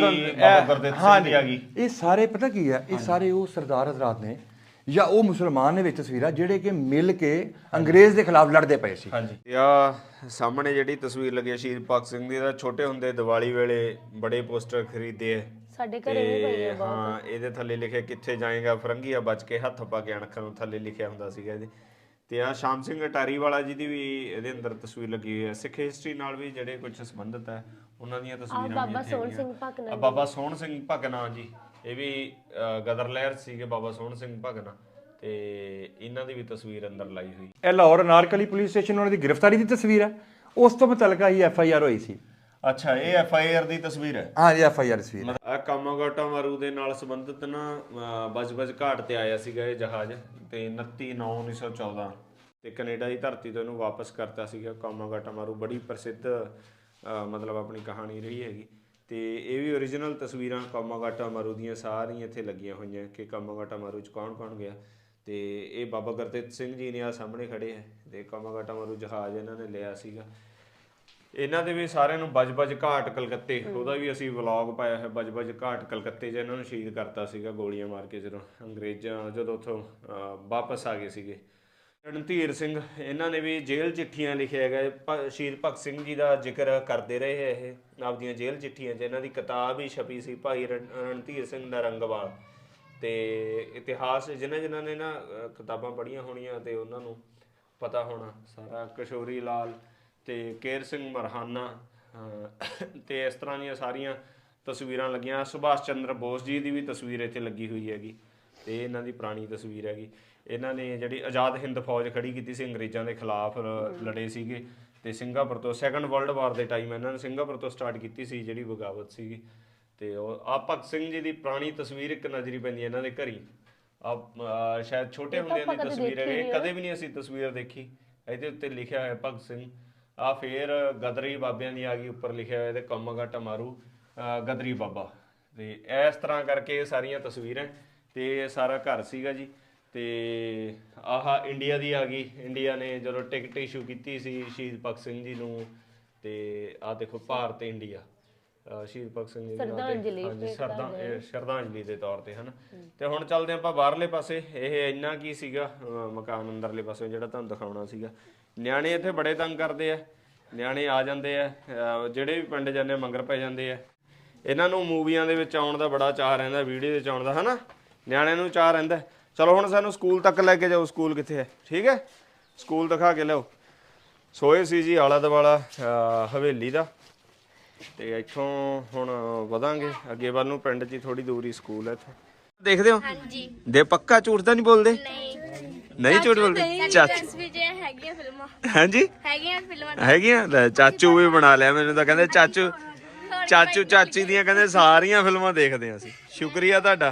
ਹਾਂਜੀ, ਇਹ ਸਾਰੇ ਪਤਾ ਕੀ ਹੈ, ਇਹ ਸਾਰੇ ਉਹ ਸਰਦਾਰ ਹਜ਼ਰਾਤ ਨੇ ਜਾਂ ਉਹ ਮੁਸਲਮਾਨ ਨੇ ਵਿੱਚ ਤਸਵੀਰਾਂ, ਜਿਹੜੇ ਕਿ ਮਿਲ ਕੇ ਅੰਗਰੇਜ਼ ਦੇ ਖਿਲਾਫ ਲੜਦੇ ਪਏ ਸੀ। ਹਾਂਜੀ, ਆ ਸਾਹਮਣੇ ਜਿਹੜੀ ਤਸਵੀਰ ਲੱਗੀ ਹੈ ਸ਼ਹੀਦ ਭਗਤ ਸਿੰਘ ਦੀ, ਦਾ ਛੋਟੇ ਹੁੰਦੇ ਦੀਵਾਲੀ ਵੇਲੇ ਬੜੇ ਪੋਸਟਰ ਖਰੀਦੇ ਆ ਸਾਡੇ ਘਰੇ ਵੀ ਪਈ ਹੈ ਬਹੁਤ। ਹਾਂ, ਇਹਦੇ ਥੱਲੇ ਲਿਖਿਆ ਕਿੱਥੇ ਜਾਏਗਾ ਫਰੰਗੀਆ ਬਚ ਕੇ, ਹੱਥ ਪਾ ਕੇ ਅਣਖਾਂ ਨੂੰ ਥੱਲੇ ਲਿਖਿਆ ਹੁੰਦਾ ਸੀਗਾ ਇਹਦੇ। ਤੇ ਆ ਸ਼ਾਮ ਸਿੰਘ ਅਟਾਰੀ ਵਾਲਾ ਜੀ ਦੀ ਵੀ ਇਹਦੇ ਅੰਦਰ ਤਸਵੀਰ ਲੱਗੀ ਹੋਈ ਹੈ। ਸਿੱਖ ਹਿਸਟਰੀ ਨਾਲ ਵੀ ਜਿਹੜੇ ਕੁਝ ਸੰਬੰਧਿਤ ਹੈ ਉਹਨਾਂ ਦੀਆਂ ਤਸਵੀਰਾਂ। ਬਾਬਾ ਸੋਹਣ ਸਿੰਘ ਭਕਨਾ, ਬਾਬਾ ਸੋਹਣ ਸਿੰਘ ਭਕਨਾ ਜੀ, ਇਹ ਵੀ ਗਦਰ ਲਹਿਰ ਸੀਗੇ ਬਾਬਾ ਸੋਹਣ ਸਿੰਘ ਭਕਨਾ, ਤੇ ਇਹਨਾਂ ਦੀ ਵੀ ਤਸਵੀਰ ਅੰਦਰ ਲਾਈ ਹੋਈ। ਇਹ ਲਾਹੌਰ ਅਨਾਰਕਲੀ ਪੁਲਿਸ ਸਟੇਸ਼ਨ ਉਹਨਾਂ ਦੀ ਗ੍ਰਿਫਤਾਰੀ ਦੀ ਤਸਵੀਰ ਹੈ। ਉਸ ਤੋਂ ਮੁਤਲਕਾ ਹੀ FIR ਹੋਈ ਸੀ। ਅੱਛਾ, ਇਹ FIR ਦੀ ਤਸਵੀਰ ਹੈ। ਹਾਂ ਜੀ, FIR ਤਸਵੀਰ। ਆ ਕਾਮਾਗਾਟਾ ਮਾਰੂ ਦੇ ਨਾਲ ਸੰਬੰਧਿਤ ਨਾ ਬਜ ਘਾਟ ਤੇ ਆਇਆ ਸੀਗਾ ਇਹ ਜਹਾਜ਼, ਤੇ 29/9/1914 ਤੇ ਕੈਨੇਡਾ ਦੀ ਧਰਤੀ ਤੋਂ ਇਹਨੂੰ ਵਾਪਸ ਕਰਤਾ ਸੀਗਾ। ਕਾਮਾਗਾਟਾ ਮਾਰੂ ਬੜੀ ਪ੍ਰਸਿੱਧ ਮਤਲਬ ਆਪਣੀ ਕਹਾਣੀ ਰਹੀ ਹੈਗੀ। ਤੇ ਇਹ ਵੀ ਓਰੀਜਨਲ ਤਸਵੀਰਾਂ ਕਾਮਾਗਾਟਾ ਮਾਰੂ ਦੀਆਂ ਸਾਰੀਆਂ ਇੱਥੇ ਲੱਗੀਆਂ ਹੋਈਆਂ ਕਿ ਕਾਮਾਗਾਟਾ ਮਾਰੂ 'ਚ ਕੌਣ ਕੌਣ ਗਿਆ। ਤੇ ਇਹ ਬਾਬਾ ਗੁਰਦਿੱਤ ਸਿੰਘ ਜੀ ਨੇ ਆ ਸਾਹਮਣੇ ਖੜੇ ਹੈ ਤੇ ਕਾਮਾਗਾਟਾ ਮਾਰੂ ਜਹਾਜ਼ ਇਹਨਾਂ ਨੇ ਲਿਆ ਸੀਗਾ। ਇਹਨਾਂ ਦੇ ਵੀ ਸਾਰਿਆਂ ਨੂੰ ਬਜ-ਬਜ ਘਾਟ ਕਲਕੱਤੇ, ਉਹਦਾ ਵੀ ਅਸੀਂ ਵਲੌਗ ਪਾਇਆ ਹੈ। ਬਜ-ਬਜ ਘਾਟ ਕਲਕੱਤੇ 'ਚ ਇਹਨਾਂ ਨੂੰ ਸ਼ਹੀਦ ਕਰਤਾ ਸੀਗਾ ਗੋਲੀਆਂ ਮਾਰ ਕੇ ਜਦੋਂ ਅੰਗਰੇਜ਼ਾਂ ਜਦੋਂ ਉੱਥੋਂ ਵਾਪਸ ਆ ਗਏ ਸੀਗੇ। ਰਣਧੀਰ ਸਿੰਘ ਇਹਨਾਂ ਨੇ ਵੀ ਜੇਲ੍ਹ ਚਿੱਠੀਆਂ ਲਿਖਿਆ ਹੈਗਾ। ਸ਼ਹੀਦ ਭਗਤ ਸਿੰਘ ਜੀ ਦਾ ਜ਼ਿਕਰ ਕਰਦੇ ਰਹੇ ਹੈ ਇਹ ਆਪਦੀਆਂ ਜੇਲ੍ਹ ਚਿੱਠੀਆਂ 'ਚ। ਇਹਨਾਂ ਦੀ ਕਿਤਾਬ ਵੀ ਛਪੀ ਸੀ ਭਾਈ ਰਣਧੀਰ ਸਿੰਘ ਨਰੰਗਵਾਲ। ਤੇ ਇਤਿਹਾਸ ਜਿਨ੍ਹਾਂ ਨੇ ਨਾ ਕਿਤਾਬਾਂ ਪੜ੍ਹੀਆਂ ਹੋਣੀਆਂ ਤੇ ਉਹਨਾਂ ਨੂੰ ਪਤਾ ਹੋਣਾ ਸਾਰਾ। ਕਿਸ਼ੋਰੀ ਲਾਲ ਤੇ ਕੇਰ ਸਿੰਘ ਮਰਹਾਨਾ ਤੇ ਇਸ ਤਰ੍ਹਾਂ ਦੀਆਂ ਸਾਰੀਆਂ ਤਸਵੀਰਾਂ ਲੱਗੀਆਂ। ਸੁਭਾਸ਼ ਚੰਦਰ ਬੋਸ ਜੀ ਦੀ ਵੀ ਤਸਵੀਰ ਇੱਥੇ ਲੱਗੀ ਹੋਈ ਹੈਗੀ ਤੇ ਇਹਨਾਂ ਦੀ ਪੁਰਾਣੀ ਤਸਵੀਰ ਹੈਗੀ। ਇਹਨਾਂ ਨੇ ਜਿਹੜੀ ਆਜ਼ਾਦ ਹਿੰਦ ਫੌਜ ਖੜੀ ਕੀਤੀ ਸੀ, ਅੰਗਰੇਜ਼ਾਂ ਦੇ ਖਿਲਾਫ ਲੜੇ ਸੀਗੇ ਤੇ ਸਿੰਗਾਪੁਰ ਤੋਂ ਸੈਕੰਡ ਵਰਲਡ ਵਾਰ ਦੇ ਟਾਈਮ ਇਹਨਾਂ ਨੇ ਸਿੰਗਾਪੁਰ ਤੋਂ ਸਟਾਰਟ ਕੀਤੀ ਸੀ ਜਿਹੜੀ ਬਗਾਵਤ ਸੀਗੀ। ਤੇ ਉਹ ਆ ਭਗਤ ਸਿੰਘ ਜੀ ਦੀ ਪੁਰਾਣੀ ਤਸਵੀਰ ਇੱਕ ਨਜ਼ਰੀ ਪੈਂਦੀ ਇਹਨਾਂ ਦੇ ਘਰੀ। ਸ਼ਾਇਦ ਛੋਟੇ ਹੁੰਦਿਆਂ ਦੀ ਤਸਵੀਰ ਹੈ, ਕਦੇ ਵੀ ਨਹੀਂ ਅਸੀਂ ਤਸਵੀਰ ਦੇਖੀ। ਇਹਦੇ ਉੱਤੇ ਲਿਖਿਆ ਹੋਇਆ ਭਗਤ ਸਿੰਘ। ਆ ਫੇਰ ਗਦਰੀ ਬਾਬਿਆਂ ਦੀ ਆ ਗਈ, ਉੱਪਰ ਲਿਖਿਆ ਹੋਇਆ ਤੇ ਕਾਮਾਗਾਟਾ ਮਾਰੂ ਗਦਰੀ ਬਾਬਾ। ਤੇ ਇਸ ਤਰ੍ਹਾਂ ਕਰਕੇ ਸਾਰੀਆਂ ਤਸਵੀਰਾਂ ਤੇ ਇਹ ਸਾਰਾ ਘਰ ਸੀਗਾ ਜੀ। ਤੇ ਆਹ ਇੰਡੀਆ ਦੀ ਆ ਗਈ। ਇੰਡੀਆ ਨੇ ਜਦੋਂ ਟਿਕਟ ਇਸ਼ੂ ਕੀਤੀ ਸੀ ਸ਼ਹੀਦ ਭਗਤ ਸਿੰਘ ਜੀ ਨੂੰ। ਤੇ ਆਹ ਦੇਖੋ ਭਾਰਤ ਇੰਡੀਆ ਸ਼ਹੀਦ ਭਗਤ ਸਿੰਘ ਜੀ ਦੀ ਸ਼ਰਧਾਂਜਲੀ ਦੇ ਤੌਰ ਤੇ ਹਨ। ਤੇ ਹੁਣ ਚੱਲਦੇ ਆਪਾਂ ਬਾਹਰਲੇ ਪਾਸੇ। ਇਹ ਇੰਨਾ ਕੀ ਸੀਗਾ ਮਕਾਨ ਅੰਦਰਲੇ ਪਾਸੇ ਜਿਹੜਾ ਤੁਹਾਨੂੰ ਦਿਖਾਉਣਾ ਸੀਗਾ। ਨਿਆਣੇ ਇੱਥੇ ਬੜੇ ਤੰਗ ਕਰਦੇ ਆ, ਨਿਆਣੇ ਆ ਜਾਂਦੇ ਆ, ਜਿਹੜੇ ਵੀ ਪਿੰਡ ਜਾਂਦੇ ਮੰਗਰ ਪੈ ਜਾਂਦੇ ਆ। ਇਹਨਾਂ ਨੂੰ ਮੂਵੀਆਂ ਦੇ ਵਿੱਚ ਆਉਣ ਦਾ ਬੜਾ ਚਾਅ ਰਹਿੰਦਾ, ਵੀਡੀਓ ਦੇ ਵਿੱਚ ਆਉਣ ਦਾ ਹਨਾ, ਨਿਆਣਿਆਂ ਨੂੰ ਚਾਅ ਰਹਿੰਦਾ। ਚਲੋ ਹੁਣ ਸਾਨੂੰ ਸਕੂਲ ਤੱਕ ਲੈ ਕੇ ਜਾਓ। ਸਕੂਲ ਕਿੱਥੇ ਹੈ? ਠੀਕ ਹੈ, ਸਕੂਲ ਦਿਖਾ ਕੇ ਲਿਆਓ। ਸੋਏ ਸੀ ਜੀ ਆਲਾ ਦੁਆਲਾ ਹਵੇਲੀ ਦਾ। ਤੇ ਇੱਥੋਂ ਹੁਣ ਵਧਾਂਗੇ ਅੱਗੇ ਵੱਲ ਨੂੰ। ਪਿੰਡ 'ਚ ਥੋੜੀ ਦੂਰ ਹੀ ਸਕੂਲ ਹੈ ਇੱਥੇ। ਦੇਖਦੇ ਹੋ ਦੇ ਪੱਕਾ ਝੂਠ ਤਾਂ ਨਹੀਂ ਬੋਲਦੇ? ਨਹੀਂ ਝੂਠ ਬੋਲਦੇ। ਚਾਚੂ ਹਾਂਜੀ ਹੈਗੀਆਂ। ਚਾਚੂ ਵੀ ਬਣਾ ਲਿਆ ਮੈਨੂੰ ਤਾਂ ਕਹਿੰਦੇ ਚਾਚੂ ਚਾਚੀ ਦੀਆਂ ਕਹਿੰਦੇ ਸਾਰੀਆਂ ਫਿਲਮਾਂ ਦੇਖਦੇ ਅਸੀਂ। ਸ਼ੁਕਰੀਆ ਤੁਹਾਡਾ।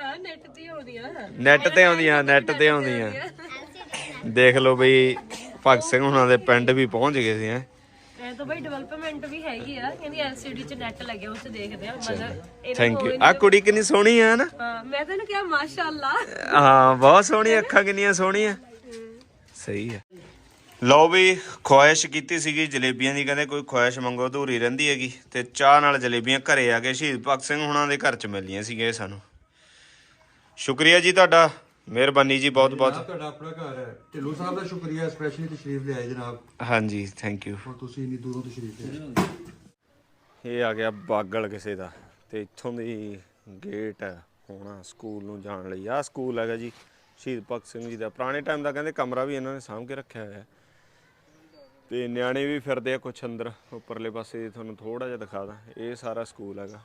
ਨੈਟ ਤੇ ਆਉਂਦੀਆਂ ਦੇਖ ਲਓ ਬਈ। ਭਗਤ ਸਿੰਘ ਹੁਣਾਂ ਦੇ ਪਿੰਡ ਵੀ ਪਹੁੰਚ ਗਏ ਸੀ। ਇਹ ਤਾਂ ਬਈ ਡਿਵੈਲਪਮੈਂਟ ਵੀ ਹੈਗੀ ਆ, ਕਹਿੰਦੀ ਐਲਸੀਡੀ 'ਚ ਨੈਟ ਲੱਗਿਆ, ਉਸ 'ਚ ਦੇਖਦੇ ਆ। ਮਤਲਬ ਥੈਂਕ ਯੂ। ਆ ਕੁੜੀ ਕਿੰਨੀ ਸੋਹਣੀ ਆ ਨਾ। ਹਾਂ ਮੈਂ ਤੈਨੂੰ ਕਿਹਾ ਮਾਸ਼ਾਅੱਲਾ। ਹਾਂ ਬਹੁਤ ਸੋਹਣੀ, ਅੱਖਾਂ ਕਿੰਨੀਆਂ ਸੋਹਣੀਆਂ। ਸਹੀ ਹੈ। ਲਓ ਵੀ ਖੁਆਇਸ਼ ਕੀਤੀ ਸੀਗੀ ਜਲੇਬੀਆਂ ਦੀ। ਕਹਿੰਦੇ ਕੋਈ ਖੁਆਇਸ਼ ਮੰਗੋ ਅਧੂਰੀ ਰਹਿੰਦੀ ਹੈਗੀ। ਤੇ ਚਾਹ ਨਾਲ ਜਲੇਬੀਆਂ ਘਰੇ ਆ ਕੇ ਸ਼ਹੀਦ ਭਗਤ ਸਿੰਘ ਹੁਣਾਂ ਦੇ ਘਰ 'ਚ ਮਿਲੀਆਂ ਸੀਗੇ ਸਾਨੂੰ। ਸ਼ੁਕਰੀਆ ਜੀ ਤੁਹਾਡਾ, ਮਿਹਰਬਾਨੀ ਜੀ ਬਹੁਤ ਬਹੁਤ। ਤੁਹਾਡਾ ਆਪਣਾ ਘਰ ਹੈ। ਢਿੱਲੋਂ ਸਾਹਿਬ ਦਾ ਸ਼ੁਕਰੀਆ, ਸਪੈਸ਼ਲੀ ਤਸ਼ਰੀਫ ਲਿਆਏ ਜਨਾਬ। ਹਾਂਜੀ ਥੈਂਕ ਯੂ। ਹੁਣ ਤੁਸੀਂ ਇੰਨੀ ਦੂਰੋਂ ਤਸ਼ਰੀਫ ਲਿਆਏ। ਇਹ ਆ ਗਿਆ ਬਾਗਲ ਕਿਸੇ ਦਾ ਤੇ ਇੱਥੋਂ ਦੀ ਗੇਟ ਹੋਣਾ ਸਕੂਲ ਨੂੰ ਜਾਣ ਲਈ। ਆਹ ਸਕੂਲ ਹੈਗਾ ਜੀ ਸ਼ਹੀਦ ਭਗਤ ਸਿੰਘ ਜੀ ਦਾ। ਪੁਰਾਣੇ ਟਾਈਮ ਦਾ ਕਹਿੰਦੇ ਕਮਰਾ ਵੀ ਇਹਨਾਂ ਨੇ ਸਾਂਭ ਕੇ ਰੱਖਿਆ ਹੋਇਆ। ਤੇ ਨਿਆਣੇ ਵੀ ਫਿਰਦੇ ਆ ਕੁਛ ਅੰਦਰ। ਉੱਪਰਲੇ ਪਾਸੇ ਤੁਹਾਨੂੰ ਥੋੜਾ ਜਿਹਾ ਦਿਖਾ ਦਾਂ। ਇਹ ਸਾਰਾ ਸਕੂਲ ਹੈਗਾ।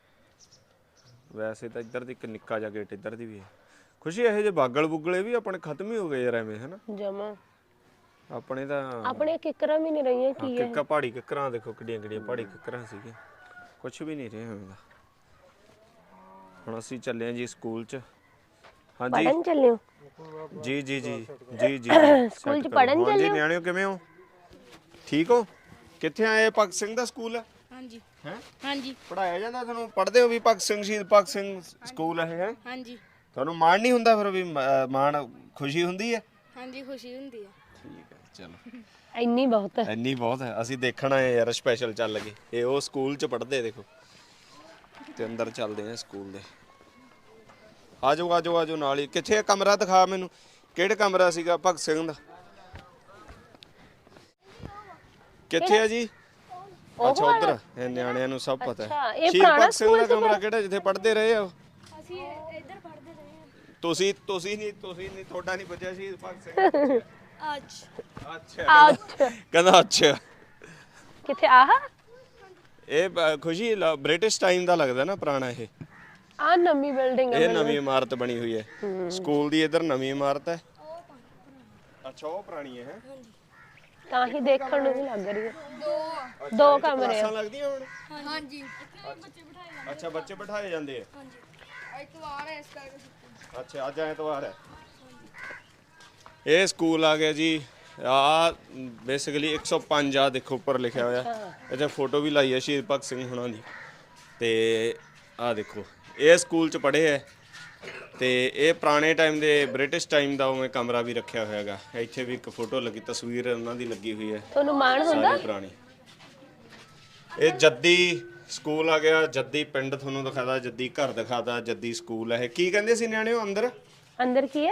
ਵੈਸੇ ਤਾਂ ਇੱਧਰ ਦੀ ਇੱਕ ਨਿੱਕਾ ਜਿਹਾ ਗੇਟ ਇੱਧਰ ਦੀ ਵੀ ਹੈ। ਖੁਸ਼ੀ ਇਹੋ ਜਿਹੇ ਬਾਗਲ ਬੁਗਲੇ ਵੀ ਆਪਣੇ ਖਤਮ ਹੀ ਹੋ ਗਏ ਯਾਰ ਐਵੇਂ ਹਨਾ ਜਮਾ। ਆਪਣੇ ਤਾਂ ਆਪਣੇ ਕਿੱਕਰਾਂ ਵੀ ਨਹੀਂ ਰਹੀਆਂ। ਕੀ ਹੈ ਪਹਾੜੀ ਕਿੱਕਰਾਂ ਦੇਖੋ ਕਿੱਡੀਆਂ ਕਿੱਡੀਆਂ ਪਹਾੜੀ ਕਿੱਕਰਾਂ ਸੀਗੀਆਂ। ਕੁਛ ਵੀ ਨਹੀਂ ਰਿਹਾ ਹੁੰਦਾ। ਹੁਣ ਅਸੀਂ ਚੱਲੇ ਆ ਜੀ ਸਕੂਲ 'ਚ। ਹਾਂਜੀ ਪੜਨ ਚੱਲੇ ਹੋ? ਜੀ ਜੀ ਜੀ ਜੀ ਜੀ ਸਕੂਲ 'ਚ ਪੜਨ ਚੱਲੇ ਹੋ? ਨਿਆਣਿਓ ਕਿਵੇਂ ਹੋ? ਠੀਕ ਹੋ? ਕਿੱਥੇ ਆਏ? ਭਗਤ ਸਿੰਘ ਦਾ ਸਕੂਲ ਹੈ? ਹਾਂਜੀ ਹੈ ਹਾਂਜੀ ਪੜਾਇਆ ਜਾਂਦਾ ਤੁਹਾਨੂੰ? ਪੜ੍ਹਦੇ ਹੋ ਵੀ? ਭਗਤ ਸਿੰਘ ਸ਼ਹੀਦ ਭਗਤ ਸਿੰਘ ਸਕੂਲ ਹੈ? ਹਾਂਜੀ ਤੁਹਾਨੂੰ ਮਾਣ ਨਹੀਂ ਹੁੰਦਾ ਫਿਰ ਵੀ? ਮਾਣ ਖੁਸ਼ੀ ਹੁੰਦੀ ਹੈ? ਹਾਂਜੀ ਖੁਸ਼ੀ ਹੁੰਦੀ ਹੈ। ਠੀਕ ਹੈ ਚਲੋ ਇੰਨੀ ਬਹੁਤ ਹੈ। ਇੰਨੀ ਬਹੁਤ ਹੈ। ਅਸੀਂ ਦੇਖਣ ਆਏ ਯਾਰ ਸਪੈਸ਼ਲ ਚੱਲ ਗਏ। ਇਹ ਉਹ ਸਕੂਲ 'ਚ ਪੜ੍ਹਦੇ ਦੇਖੋ। ਤੇ ਅੰਦਰ ਚੱਲਦੇ ਆ ਸਕੂਲ ਦੇ। ਆਜੋ ਆਜੋ ਆਜੋ ਨਾਲ ਹੀ। ਕਿੱਥੇ ਕਮਰਾ ਦਿਖਾ ਮੈਨੂੰ। ਕਿਹੜਾ ਕਮਰਾ ਸੀਗਾ ਭਗਤ ਸਿੰਘ ਦਾ? ਕਿੱਥੇ ਆ ਜੀ? ਅੱਛਾ ਉਧਰ। ਇਹ ਨਿਆਣਿਆਂ ਨੂੰ ਸਭ ਪਤਾ ਹੈ। ਸ਼ਹੀਦ ਭਗਤ ਸਿੰਘ ਦਾ ਕਮਰਾ ਕਿਹੜਾ ਜਿੱਥੇ ਪੜ੍ਹਦੇ ਰਹੇ ਆ? ਅਸੀਂ ਇੱਧਰ ਪੜ੍ਹਦੇ ਰਹੇ ਹਾਂ। ਤੁਸੀਂ ਨਹੀਂ ਤੁਹਾਡਾ ਨਹੀਂ ਬਚਿਆ ਸ਼ਹੀਦ ਭਗਤ ਸਿੰਘ। ਅੱਛਾ ਕਹਿੰਦਾ ਅੱਛਾ। ਕਿੱਥੇ ਆਹ? ਇਹ ਖੁਸ਼ੀ ਬ੍ਰਿਟਿਸ਼ ਟਾਈਮ ਦਾ ਲੱਗਦਾ ਨਾ ਪੁਰਾਣਾ। ਇਹ ਆ ਨਵੀਂ ਬਿਲਡਿੰਗ ਹੈ। ਇਹ ਨਵੀਂ ਇਮਾਰਤ ਬਣੀ ਹੋਈ ਹੈ ਸਕੂਲ ਦੀ। ਇੱਧਰ ਨਵੀਂ ਇਮਾਰਤ ਹੈ। ਅੱਛਾ ਉਹ ਪੁਰਾਣੀ ਹੈ। ਤਾਂ ਹੀ ਦੇਖਣ ਨੂੰ ਵੀ ਲੱਗ ਰਹੀ ਹੈ। ਦੋ ਕਮਰੇ ਆ। ਲੱਗਦੀਆਂ ਹੁਣ? ਹਾਂਜੀ ਅੱਛਾ ਬੱਚੇ ਬਿਠਾਏ ਜਾਂਦੇ ਆ। ਹਾਂਜੀ ਐਤਵਾਰ ਹੈ ਇਸ ਕਰਕੇ। ਅੱਛਾ ਅੱਜ ਐਤਵਾਰ ਹੈ। ਇਹ ਸਕੂਲ ਆ ਗਿਆ ਜੀ। ਆ ਬੇਸਿਕਲੀ 105 ਆ ਦੇਖੋ ਉੱਪਰ ਲਿਖਿਆ ਹੋਇਆ। ਇੱਥੇ ਫੋਟੋ ਵੀ ਲਾਈ ਹੈ ਸ਼ਹੀਦ ਭਗਤ ਸਿੰਘ ਹੁਣਾਂ ਦੀ। ਤੇ ਆਹ ਦੇਖੋ ਇਹ ਸਕੂਲ 'ਚ ਪੜ੍ਹੇ ਹੈ ਤੇ ਇਹ ਪੁਰਾਣੇ ਟਾਈਮ ਦੇ ਬ੍ਰਿਟਿਸ਼ ਟਾਈਮ ਦਾ ਉਵੇਂ ਕਮਰਾ ਵੀ ਰੱਖਿਆ ਹੋਇਆ ਹੈਗਾ। ਇੱਥੇ ਵੀ ਇੱਕ ਫੋਟੋ ਲੱਗੀ, ਤਸਵੀਰ ਉਹਨਾਂ ਦੀ ਲੱਗੀ ਹੋਈ ਹੈ, ਤੁਹਾਨੂੰ ਮਾਣ ਹੁੰਦਾ? ਸਾਰੀ ਪੁਰਾਣੀ। ਇਹ ਜੱਦੀ ਸਕੂਲ ਆ ਗਿਆ, ਜੱਦੀ ਪਿੰਡ ਤੁਹਾਨੂੰ ਦਿਖਾਦਾ, ਜੱਦੀ ਘਰ ਦਿਖਾਦਾ, ਜੱਦੀ ਸਕੂਲ ਹੈ। ਇਹ ਕੀ ਕਹਿੰਦੇ ਸੀ ਨਿਆਣਿਓ ਅੰਦਰ? ਅੰਦਰ ਕੀ ਹੈ?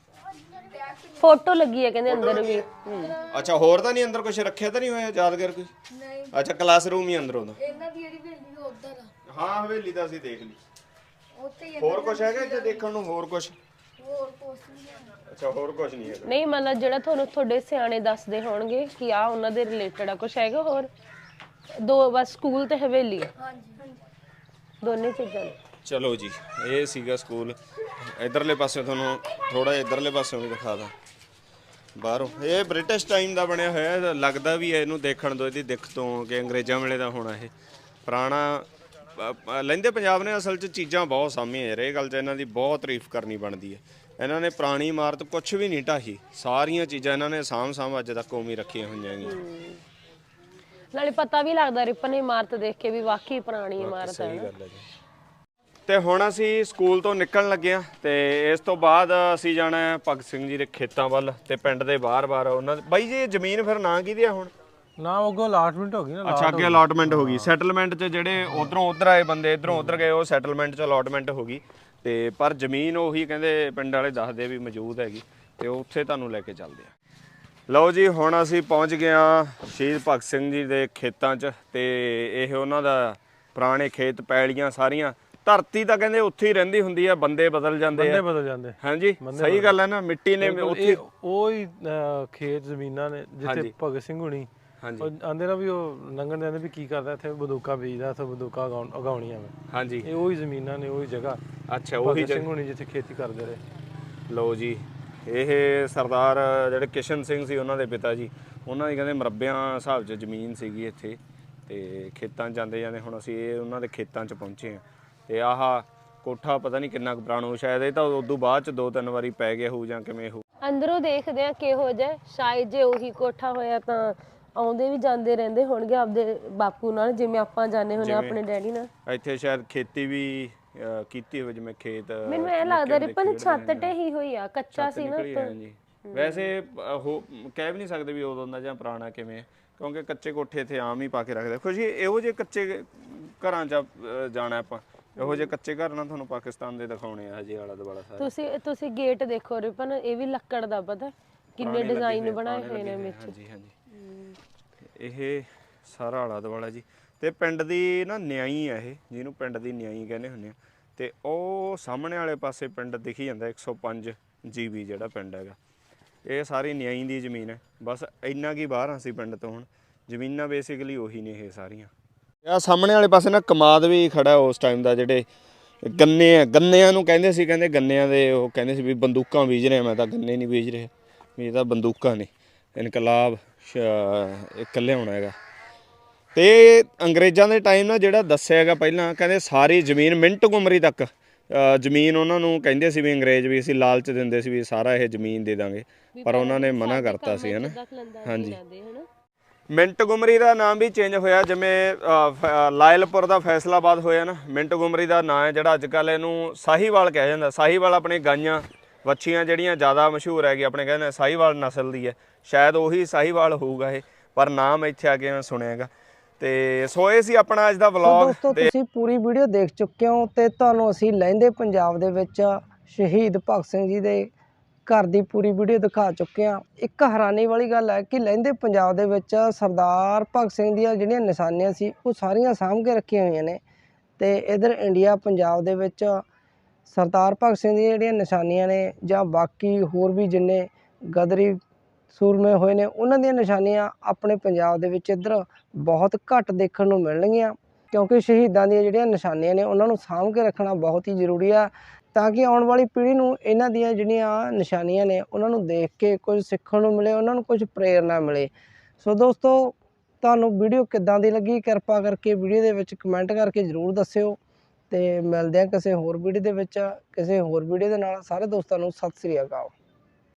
ਫੋਟੋ ਲੱਗੀ ਹੈ ਕਹਿੰਦੇ ਅੰਦਰ ਵੀ। ਅੱਛਾ, ਹੋਰ ਤਾਂ ਨਹੀਂ ਅੰਦਰ ਕੁਝ ਰੱਖਿਆ ਤਾਂ ਨਹੀਂ ਹੋਇਆ ਯਾਦਗਾਰ ਕੋਈ? ਨਹੀਂ, ਅੱਛਾ, ਕਲਾਸਰੂਮ ਹੀ ਅੰਦਰ ਉਹਦਾ। ਇਹਨਾਂ ਦੀ ਜਿਹੜੀ ਹਵੇਲੀ ਉਧਰ ਆ। ਹਾਂ, ਹਵੇਲੀ ਤਾਂ ਅਸੀਂ ਦੇਖ ਲਈ। ਉੱਥੇ ਹੀ ਹੋਰ ਕੁਝ ਹੈਗਾ ਇੱਥੇ ਦੇਖਣ ਨੂੰ? ਹੋਰ ਕੁਝ? ਹੋਰ ਕੁਛ ਨਹੀਂ ਹੈ। ਅੱਛਾ, ਹੋਰ ਕੁਝ ਨਹੀਂ ਹੈਗਾ। ਨਹੀਂ ਮਤਲਬ ਜਿਹੜਾ ਤੁਹਾਨੂੰ ਤੁਹਾਡੇ ਸਿਆਣੇ ਦੱਸਦੇ ਹੋਣਗੇ ਕਿ ਆ ਉਹਨਾਂ ਦੇ ਰਿਲੇਟਡ ਆ, ਕੁਝ ਹੈਗਾ ਹੋਰ? ਦੋ ਬਸ ਸਕੂਲ ਤੇ ਹਵੇਲੀ ਆ, ਹਾਂਜੀ ਦੋਨੇ ਚੀਜ਼ਾਂ ਨੇ। ਚਲੋ ਜੀ, ਇਹ ਸੀਗਾ ਸਕੂਲ। ਇਧਰਲੇ ਪਾਸੇ ਤੁਹਾਨੂੰ ਥੋੜਾ ਜਿਹਾ ਇਧਰਲੇ ਪਾਸਿਓਂ ਵੀ ਦਿਖਾ ਦਾਂ ਬਾਹਰੋਂ। ਇਹ ਬ੍ਰਿਟਿਸ਼ ਟਾਈਮ ਦਾ ਬਣਿਆ ਹੋਇਆ ਹੈ, ਲੱਗਦਾ ਵੀ ਹੈ ਇਹਨੂੰ ਦੇਖਣ ਤੋਂ, ਇਹਦੀ ਦਿੱਖ ਤੋਂ ਕਿ ਅੰਗਰੇਜ਼ਾਂ ਵੇਲੇ ਦਾ ਹੋਣਾ ਇਹ ਪੁਰਾਣਾ। ਲਹਿੰਦੇ ਪੰਜਾਬ ਨੇ ਅਸਲ 'ਚ ਚੀਜ਼ਾਂ ਬਹੁਤ ਸਾਂਭੀਆਂ ਯਾਰ, ਇਹ ਗੱਲ 'ਚ ਇਹਨਾਂ ਦੀ ਬਹੁਤ ਤਾਰੀਫ ਕਰਨੀ ਬਣਦੀ ਹੈ। ਇਹਨਾਂ ਨੇ ਪੁਰਾਣੀ ਇਮਾਰਤ ਕੁਝ ਵੀ ਨਹੀਂ ਢਾਹੀ, ਸਾਰੀਆਂ ਚੀਜ਼ਾਂ ਇਹਨਾਂ ਨੇ ਸਾਂਭ ਅੱਜ ਤੱਕ ਉਵੇਂ ਰੱਖੀਆਂ ਹੋਈਆਂ ਹੈਗੀਆਂ। ਨਾਲੇ ਪਤਾ ਵੀ ਲੱਗਦਾ ਰਿਪਨ ਇਮਾਰਤ ਦੇਖ ਕੇ ਵੀ ਵਾਕਈ ਪੁਰਾਣੀ ਇਮਾਰਤ ਹੈ। ਸਹੀ ਗੱਲ ਹੈ ਜੀ। ਤੇ ਹੁਣ ਅਸੀਂ ਸਕੂਲ ਤੋਂ ਨਿਕਲਣ ਲੱਗੇ ਆ ਤੇ ਇਸ ਤੋਂ ਬਾਅਦ ਅਸੀਂ ਜਾਣਾ ਹੈ ਭਗਤ ਸਿੰਘ ਜੀ ਦੇ ਖੇਤਾਂ ਵੱਲ ਤੇ ਪਿੰਡ ਦੇ ਬਾਹਰ-ਬਾਹਰ ਉਹਨਾਂ ਬਾਈ ਜੀ ਇਹ ਜ਼ਮੀਨ ਫਿਰ ਨਾਂ ਕਿਹਦੀ ਆ ਹੁਣ? ਨਾ ਅੱਗੋਂ ਅਲਾਟਮੈਂਟ ਹੋ ਗਈ ਨਾ। ਅੱਛਾ, ਅੱਗੇ ਅਲਾਟਮੈਂਟ ਹੋ ਗਈ। ਸੈਟਲਮੈਂਟ 'ਚ ਜਿਹੜੇ ਉਧਰੋਂ ਉਧਰ ਆਏ ਬੰਦੇ ਇਧਰੋਂ ਉਧਰ ਗਏ, ਉਹ ਸੈਟਲਮੈਂਟ 'ਚ ਅਲਾਟਮੈਂਟ ਹੋ ਗਈ ਤੇ ਪਰ ਜ਼ਮੀਨ ਉਹੀ ਕਹਿੰਦੇ ਪਿੰਡ ਵਾਲੇ ਦੱਸਦੇ ਵੀ ਮੌਜੂਦ ਹੈਗੀ ਤੇ ਉੱਥੇ ਤੁਹਾਨੂੰ ਲੈ ਕੇ ਚੱਲਦੇ ਆ। ਲਓ ਜੀ, ਹੁਣ ਅਸੀਂ ਪਹੁੰਚ ਗਏ ਆ ਸ਼ਹੀਦ ਭਗਤ ਸਿੰਘ ਜੀ ਦੇ ਖੇਤਾਂ 'ਚ ਤੇ ਇਹ ਉਹਨਾਂ ਦਾ ਪੁਰਾਣੇ ਖੇਤ ਪੈਲੀਆਂ ਸਾਰੀਆਂ। ਧਰਤੀ ਤਾਂ ਕਹਿੰਦੇ ਉੱਥੇ ਹੀ ਰਹਿੰਦੀ ਹੁੰਦੀ ਆ, ਬੰਦੇ ਬਦਲ ਜਾਂਦੇ ਆ। ਬਦਲ ਜਾਂਦੇ। ਹਾਂਜੀ, ਸਹੀ ਗੱਲ ਹੈ ਨਾ। ਮਿੱਟੀ ਨੇ ਉੱਥੇ ਉਹ ਹੀ ਖੇਤ ਜ਼ਮੀਨਾਂ ਨੇ ਜਿੱਥੇ ਭਗਤ ਸਿੰਘ ਹੁਣੀ ਆਂਦੇ ਨਾ ਵੀ ਉਹ ਲੰਘਣ ਦੇ ਆਂਦੇ ਵੀ ਕੀ ਕਰਦਾ ਇੱਥੇ ਬੰਦੂਕਾਂ ਬੀਜਦਾ, ਇੱਥੇ ਬੰਦੂਕਾਂ ਉਗਾਉਣੀਆਂ ਮੈਂ। ਹਾਂਜੀ, ਇਹ ਉਹੀ ਜ਼ਮੀਨਾਂ ਨੇ, ਉਹੀ ਜਗ੍ਹਾ। ਅੱਛਾ, ਉਹੀ ਸਿੰਘ ਹੁਣੀ ਜਿੱਥੇ ਖੇਤੀ ਕਰਦੇ ਰਹੇ। ਲਓ ਜੀ, ਇਹ ਸਰਦਾਰ ਜਿਹੜੇ ਕਿਸ਼ਨ ਸਿੰਘ ਸੀ ਉਹਨਾਂ ਦੇ ਪਿਤਾ ਜੀ, ਉਹਨਾਂ ਦੀ ਕਹਿੰਦੇ ਮਰਬਿਆਂ ਹਿਸਾਬ 'ਚ ਜ਼ਮੀਨ ਸੀਗੀ ਇੱਥੇ ਤੇ ਖੇਤਾਂ 'ਚ ਜਾਂਦੇ ਹੁਣ ਅਸੀਂ ਇਹ ਉਹਨਾਂ ਦੇ ਖੇਤਾਂ 'ਚ ਪਹੁੰਚੇ ਹਾਂ। ਤੇ ਆਹ ਕੋਠਾ ਪਤਾ ਨਹੀਂ ਕਿੰਨਾ ਕੁ ਪੁਰਾਣਾ, ਸ਼ਾਇਦ ਇਹ ਤਾਂ ਉਦੋਂ ਬਾਅਦ 'ਚ 2-3 ਵਾਰੀ ਪੈ ਗਿਆ ਹੋਊ ਜਾਂ ਕਿਵੇਂ ਹੋਊ। ਅੰਦਰੋਂ ਦੇਖਦੇ ਆ ਕਿਹੋ ਜਿਹਾ, ਸ਼ਾਇਦ ਜੇ ਉਹੀ ਕੋਠਾ ਹੋਇਆ ਤਾਂ ਆਉਂਦੇ ਵੀ ਜਾਂਦੇ ਰਹਿੰਦੇ ਹੋਣਗੇ ਆਪਦੇ ਬਾਪੂ ਨਾਲ, ਜਿਵੇਂ ਆਪਾਂ ਜਾਂਦੇ ਹੁੰਦੇ ਆਪਣੇ ਡੈਡੀ ਨਾਲ। ਇੱਥੇ ਸ਼ਾਇਦ ਖੇਤੀ ਵੀ ਕੀਤੀ ਹੋਵੇ, ਜਿਵੇਂ ਖੇਤ। ਮੈਨੂੰ ਇਹ ਲੱਗਦਾ ਰਿਪਨ ਛੱਤ ਢਹੀ ਹੋਈ ਆ, ਕੱਚਾ ਸੀ ਨਾ। ਹਾਂਜੀ, ਵੈਸੇ ਉਹ ਕਹਿ ਵੀ ਨਹੀਂ ਸਕਦੇ ਵੀ ਉਦੋਂ ਦਾ ਜਾਂ ਪੁਰਾਣਾ ਕਿਵੇਂ, ਕਿਉਂਕਿ ਕੱਚੇ ਕੋਠੇ ਇੱਥੇ ਆਮ ਹੀ ਪਾ ਕੇ ਰੱਖਦੇ। ਖੁਸ਼ੀ ਇਹੋ ਜਿਹੇ ਕੱਚੇ ਘਰਾਂ 'ਚ ਜਾਣਾ ਆਪਾਂ, ਇਹੋ ਜਿਹੇ ਕੱਚੇ ਘਰ ਨਾਲ ਤੁਹਾਨੂੰ ਪਾਕਿਸਤਾਨ ਦੇ ਦਿਖਾਉਣੇ ਆ ਹਜੇ ਆਲਾ ਦੁਆਲਾ ਸਾਰਾ। ਤੁਸੀਂ ਗੇਟ ਦੇਖੋ ਰਿਪਨ, ਇਹ ਵੀ ਲੱਕੜ ਦਾ, ਪਤਾ ਕਿੰਨੇ ਡਿਜ਼ਾਈਨ ਬਣਾਏ ਹੋਏ ਨੇ ਵਿੱਚ। ਹਾਂਜੀ ਹਾਂਜੀ, ਇਹ ਸਾਰਾ ਆਲਾ ਦੁਆਲਾ ਜੀ। ਤੇ ਪਿੰਡ ਦੀ ਨਾ ਨਿਆਈ ਆ ਇਹ, ਜਿਹਨੂੰ ਪਿੰਡ ਦੀ ਨਿਆਈ ਕਹਿੰਦੇ ਹੁੰਦੇ ਆ। ਤੇ ਉਹ ਸਾਹਮਣੇ ਵਾਲੇ ਪਾਸੇ ਪਿੰਡ ਦਿਖੀ ਜਾਂਦਾ 105 GB ਜਿਹੜਾ ਪਿੰਡ ਹੈਗਾ, ਇਹ ਸਾਰੀ ਨਿਆਈ ਦੀ ਜ਼ਮੀਨ ਹੈ। ਬਸ ਇੰਨਾ ਕੀ ਬਾਹਰ ਅਸੀਂ ਪਿੰਡ ਤੋਂ, ਹੁਣ ਜ਼ਮੀਨਾਂ ਬੇਸਿਕਲੀ ਉਹੀ ਨੇ ਇਹ ਸਾਰੀਆਂ। ਆ ਸਾਹਮਣੇ ਵਾਲੇ ਪਾਸੇ ਨਾ ਕਮਾਦ ਵੀ ਖੜਾ ਉਸ ਟਾਈਮ ਦਾ, ਜਿਹੜੇ ਗੰਨਿਆਂ ਨੂੰ ਕਹਿੰਦੇ ਸੀ, ਕਹਿੰਦੇ ਗੰਨਿਆਂ ਦੇ ਉਹ ਕਹਿੰਦੇ ਸੀ ਵੀ ਬੰਦੂਕਾਂ ਬੀਜ ਰਹੇ। ਮੈਂ ਤਾਂ ਗੰਨੇ ਨਹੀਂ ਬੀਜ ਰਿਹਾ, ਵੀ ਇਹ ਤਾਂ ਬੰਦੂਕਾਂ ਨੇ, ਇਨਕਲਾਬ ਇੱਕ ਲਿਆਉਣਾ ਹੈਗਾ। ਤੇ ਅੰਗਰੇਜ਼ਾਂ ਦੇ ਟਾਈਮ ਨਾਲ ਜਿਹੜਾ ਦੱਸਿਆ ਹੈਗਾ ਪਹਿਲਾਂ, ਕਹਿੰਦੇ ਸਾਰੀ ਜ਼ਮੀਨ ਮਿੰਟ ਗੁਮਰੀ ਤੱਕ ਜ਼ਮੀਨ ਉਹਨਾਂ ਨੂੰ ਕਹਿੰਦੇ ਸੀ ਵੀ ਅੰਗਰੇਜ਼ ਵੀ ਅਸੀਂ ਲਾਲਚ ਦਿੰਦੇ ਸੀ ਵੀ ਸਾਰਾ ਇਹ ਜ਼ਮੀਨ ਦੇ ਦਾਂਗੇ, ਪਰ ਉਹਨਾਂ ਨੇ ਮਨਾ ਕਰਤਾ ਸੀ, ਹੈ ਨਾ। ਹਾਂਜੀ, ਮਿੰਟ ਗੁਮਰੀ ਦਾ ਨਾਮ ਵੀ ਚੇਂਜ ਹੋਇਆ, ਜਿਵੇਂ ਲਾਇਲਪੁਰ ਦਾ ਫੈਸਲਾਬਾਦ ਹੋਇਆ ਨਾ, ਮਿੰਟ ਗੁਮਰੀ ਦਾ ਨਾਂ ਹੈ ਜਿਹੜਾ ਅੱਜ ਕੱਲ੍ਹ ਇਹਨੂੰ ਸਾਹੀਵਾਲ ਕਿਹਾ ਜਾਂਦਾ। ਸਾਹੀਵਾਲ ਆਪਣੇ ਗਾਈਆਂ ਵੱਛੀਆਂ ਜਿਹੜੀਆਂ ਜ਼ਿਆਦਾ ਮਸ਼ਹੂਰ ਹੈਗੀ, ਆਪਣੇ ਕਹਿੰਦੇ ਸਾਹੀਵਾਲ ਨਸਲ ਦੀ ਹੈ, ਸ਼ਾਇਦ ਉਹੀ ਸਾਹੀਵਾਲ ਹੋਊਗਾ ਇਹ, ਪਰ ਨਾਮ ਇੱਥੇ ਆ ਕੇ ਮੈਂ ਸੁਣਿਆ ਹੈਗਾ। ਤੇ ਸੋ ਇਹ ਸੀ ਆਪਣਾ ਅੱਜ ਦਾ ਵਲੌਗ। ਦੋਸਤੋ ਤੁਸੀਂ ਪੂਰੀ ਵੀਡੀਓ ਦੇਖ ਚੁੱਕੇ ਹੋ ਤੇ ਤੁਹਾਨੂੰ ਅਸੀਂ ਲਹਿੰਦੇ ਪੰਜਾਬ ਦੇ ਵਿੱਚ ਸ਼ਹੀਦ ਭਗਤ ਸਿੰਘ ਜੀ ਦੇ ਘਰ ਦੀ ਪੂਰੀ ਵੀਡੀਓ ਦਿਖਾ ਚੁੱਕੇ ਹਾਂ। ਇੱਕ ਹੈਰਾਨੀ ਵਾਲੀ ਗੱਲ ਹੈ ਕਿ ਲਹਿੰਦੇ ਪੰਜਾਬ ਦੇ ਵਿੱਚ ਸਰਦਾਰ ਭਗਤ ਸਿੰਘ ਦੀਆਂ ਜਿਹੜੀਆਂ ਨਿਸ਼ਾਨੀਆਂ ਸੀ ਉਹ ਸਾਰੀਆਂ ਸਾਂਭ ਕੇ ਰੱਖੀਆਂ ਹੋਈਆਂ ਨੇ। ਤੇ ਇਧਰ ਇੰਡੀਆ ਪੰਜਾਬ ਦੇ ਵਿੱਚ ਸਰਦਾਰ ਭਗਤ ਸਿੰਘ ਦੀਆਂ ਜਿਹੜੀਆਂ ਨਿਸ਼ਾਨੀਆਂ ਨੇ ਜਾਂ ਬਾਕੀ ਹੋਰ ਵੀ ਜਿੰਨੇ ਗਦਰੀ ਸੂਰਮੇ ਹੋਏ ਨੇ ਉਹਨਾਂ ਦੀਆਂ ਨਿਸ਼ਾਨੀਆਂ ਆਪਣੇ ਪੰਜਾਬ ਦੇ ਵਿੱਚ ਇੱਧਰ ਬਹੁਤ ਘੱਟ ਦੇਖਣ ਨੂੰ ਮਿਲਣਗੀਆਂ, ਕਿਉਂਕਿ ਸ਼ਹੀਦਾਂ ਦੀਆਂ ਜਿਹੜੀਆਂ ਨਿਸ਼ਾਨੀਆਂ ਨੇ ਉਹਨਾਂ ਨੂੰ ਸਾਂਭ ਕੇ ਰੱਖਣਾ ਬਹੁਤ ਹੀ ਜ਼ਰੂਰੀ ਆ, ਤਾਂ ਕਿ ਆਉਣ ਵਾਲੀ ਪੀੜ੍ਹੀ ਨੂੰ ਇਹਨਾਂ ਦੀਆਂ ਜਿਹੜੀਆਂ ਨਿਸ਼ਾਨੀਆਂ ਨੇ ਉਹਨਾਂ ਨੂੰ ਦੇਖ ਕੇ ਕੁਝ ਸਿੱਖਣ ਨੂੰ ਮਿਲੇ, ਉਹਨਾਂ ਨੂੰ ਕੁਝ ਪ੍ਰੇਰਨਾ ਮਿਲੇ। ਸੋ ਦੋਸਤੋ ਤੁਹਾਨੂੰ ਵੀਡੀਓ ਕਿੱਦਾਂ ਦੀ ਲੱਗੀ, ਕਿਰਪਾ ਕਰਕੇ ਵੀਡੀਓ ਦੇ ਵਿੱਚ ਕਮੈਂਟ ਕਰਕੇ ਜ਼ਰੂਰ ਦੱਸਿਓ। ਤੇ ਮਿਲਦੇ ਹਾਂ ਕਿਸੇ ਹੋਰ ਵੀਡੀਓ ਦੇ ਵਿੱਚ, ਕਿਸੇ ਹੋਰ ਵੀਡੀਓ ਦੇ ਨਾਲ। ਸਾਰੇ ਦੋਸਤਾਂ ਨੂੰ ਸਤਿ ਸ੍ਰੀ ਅਕਾਲ।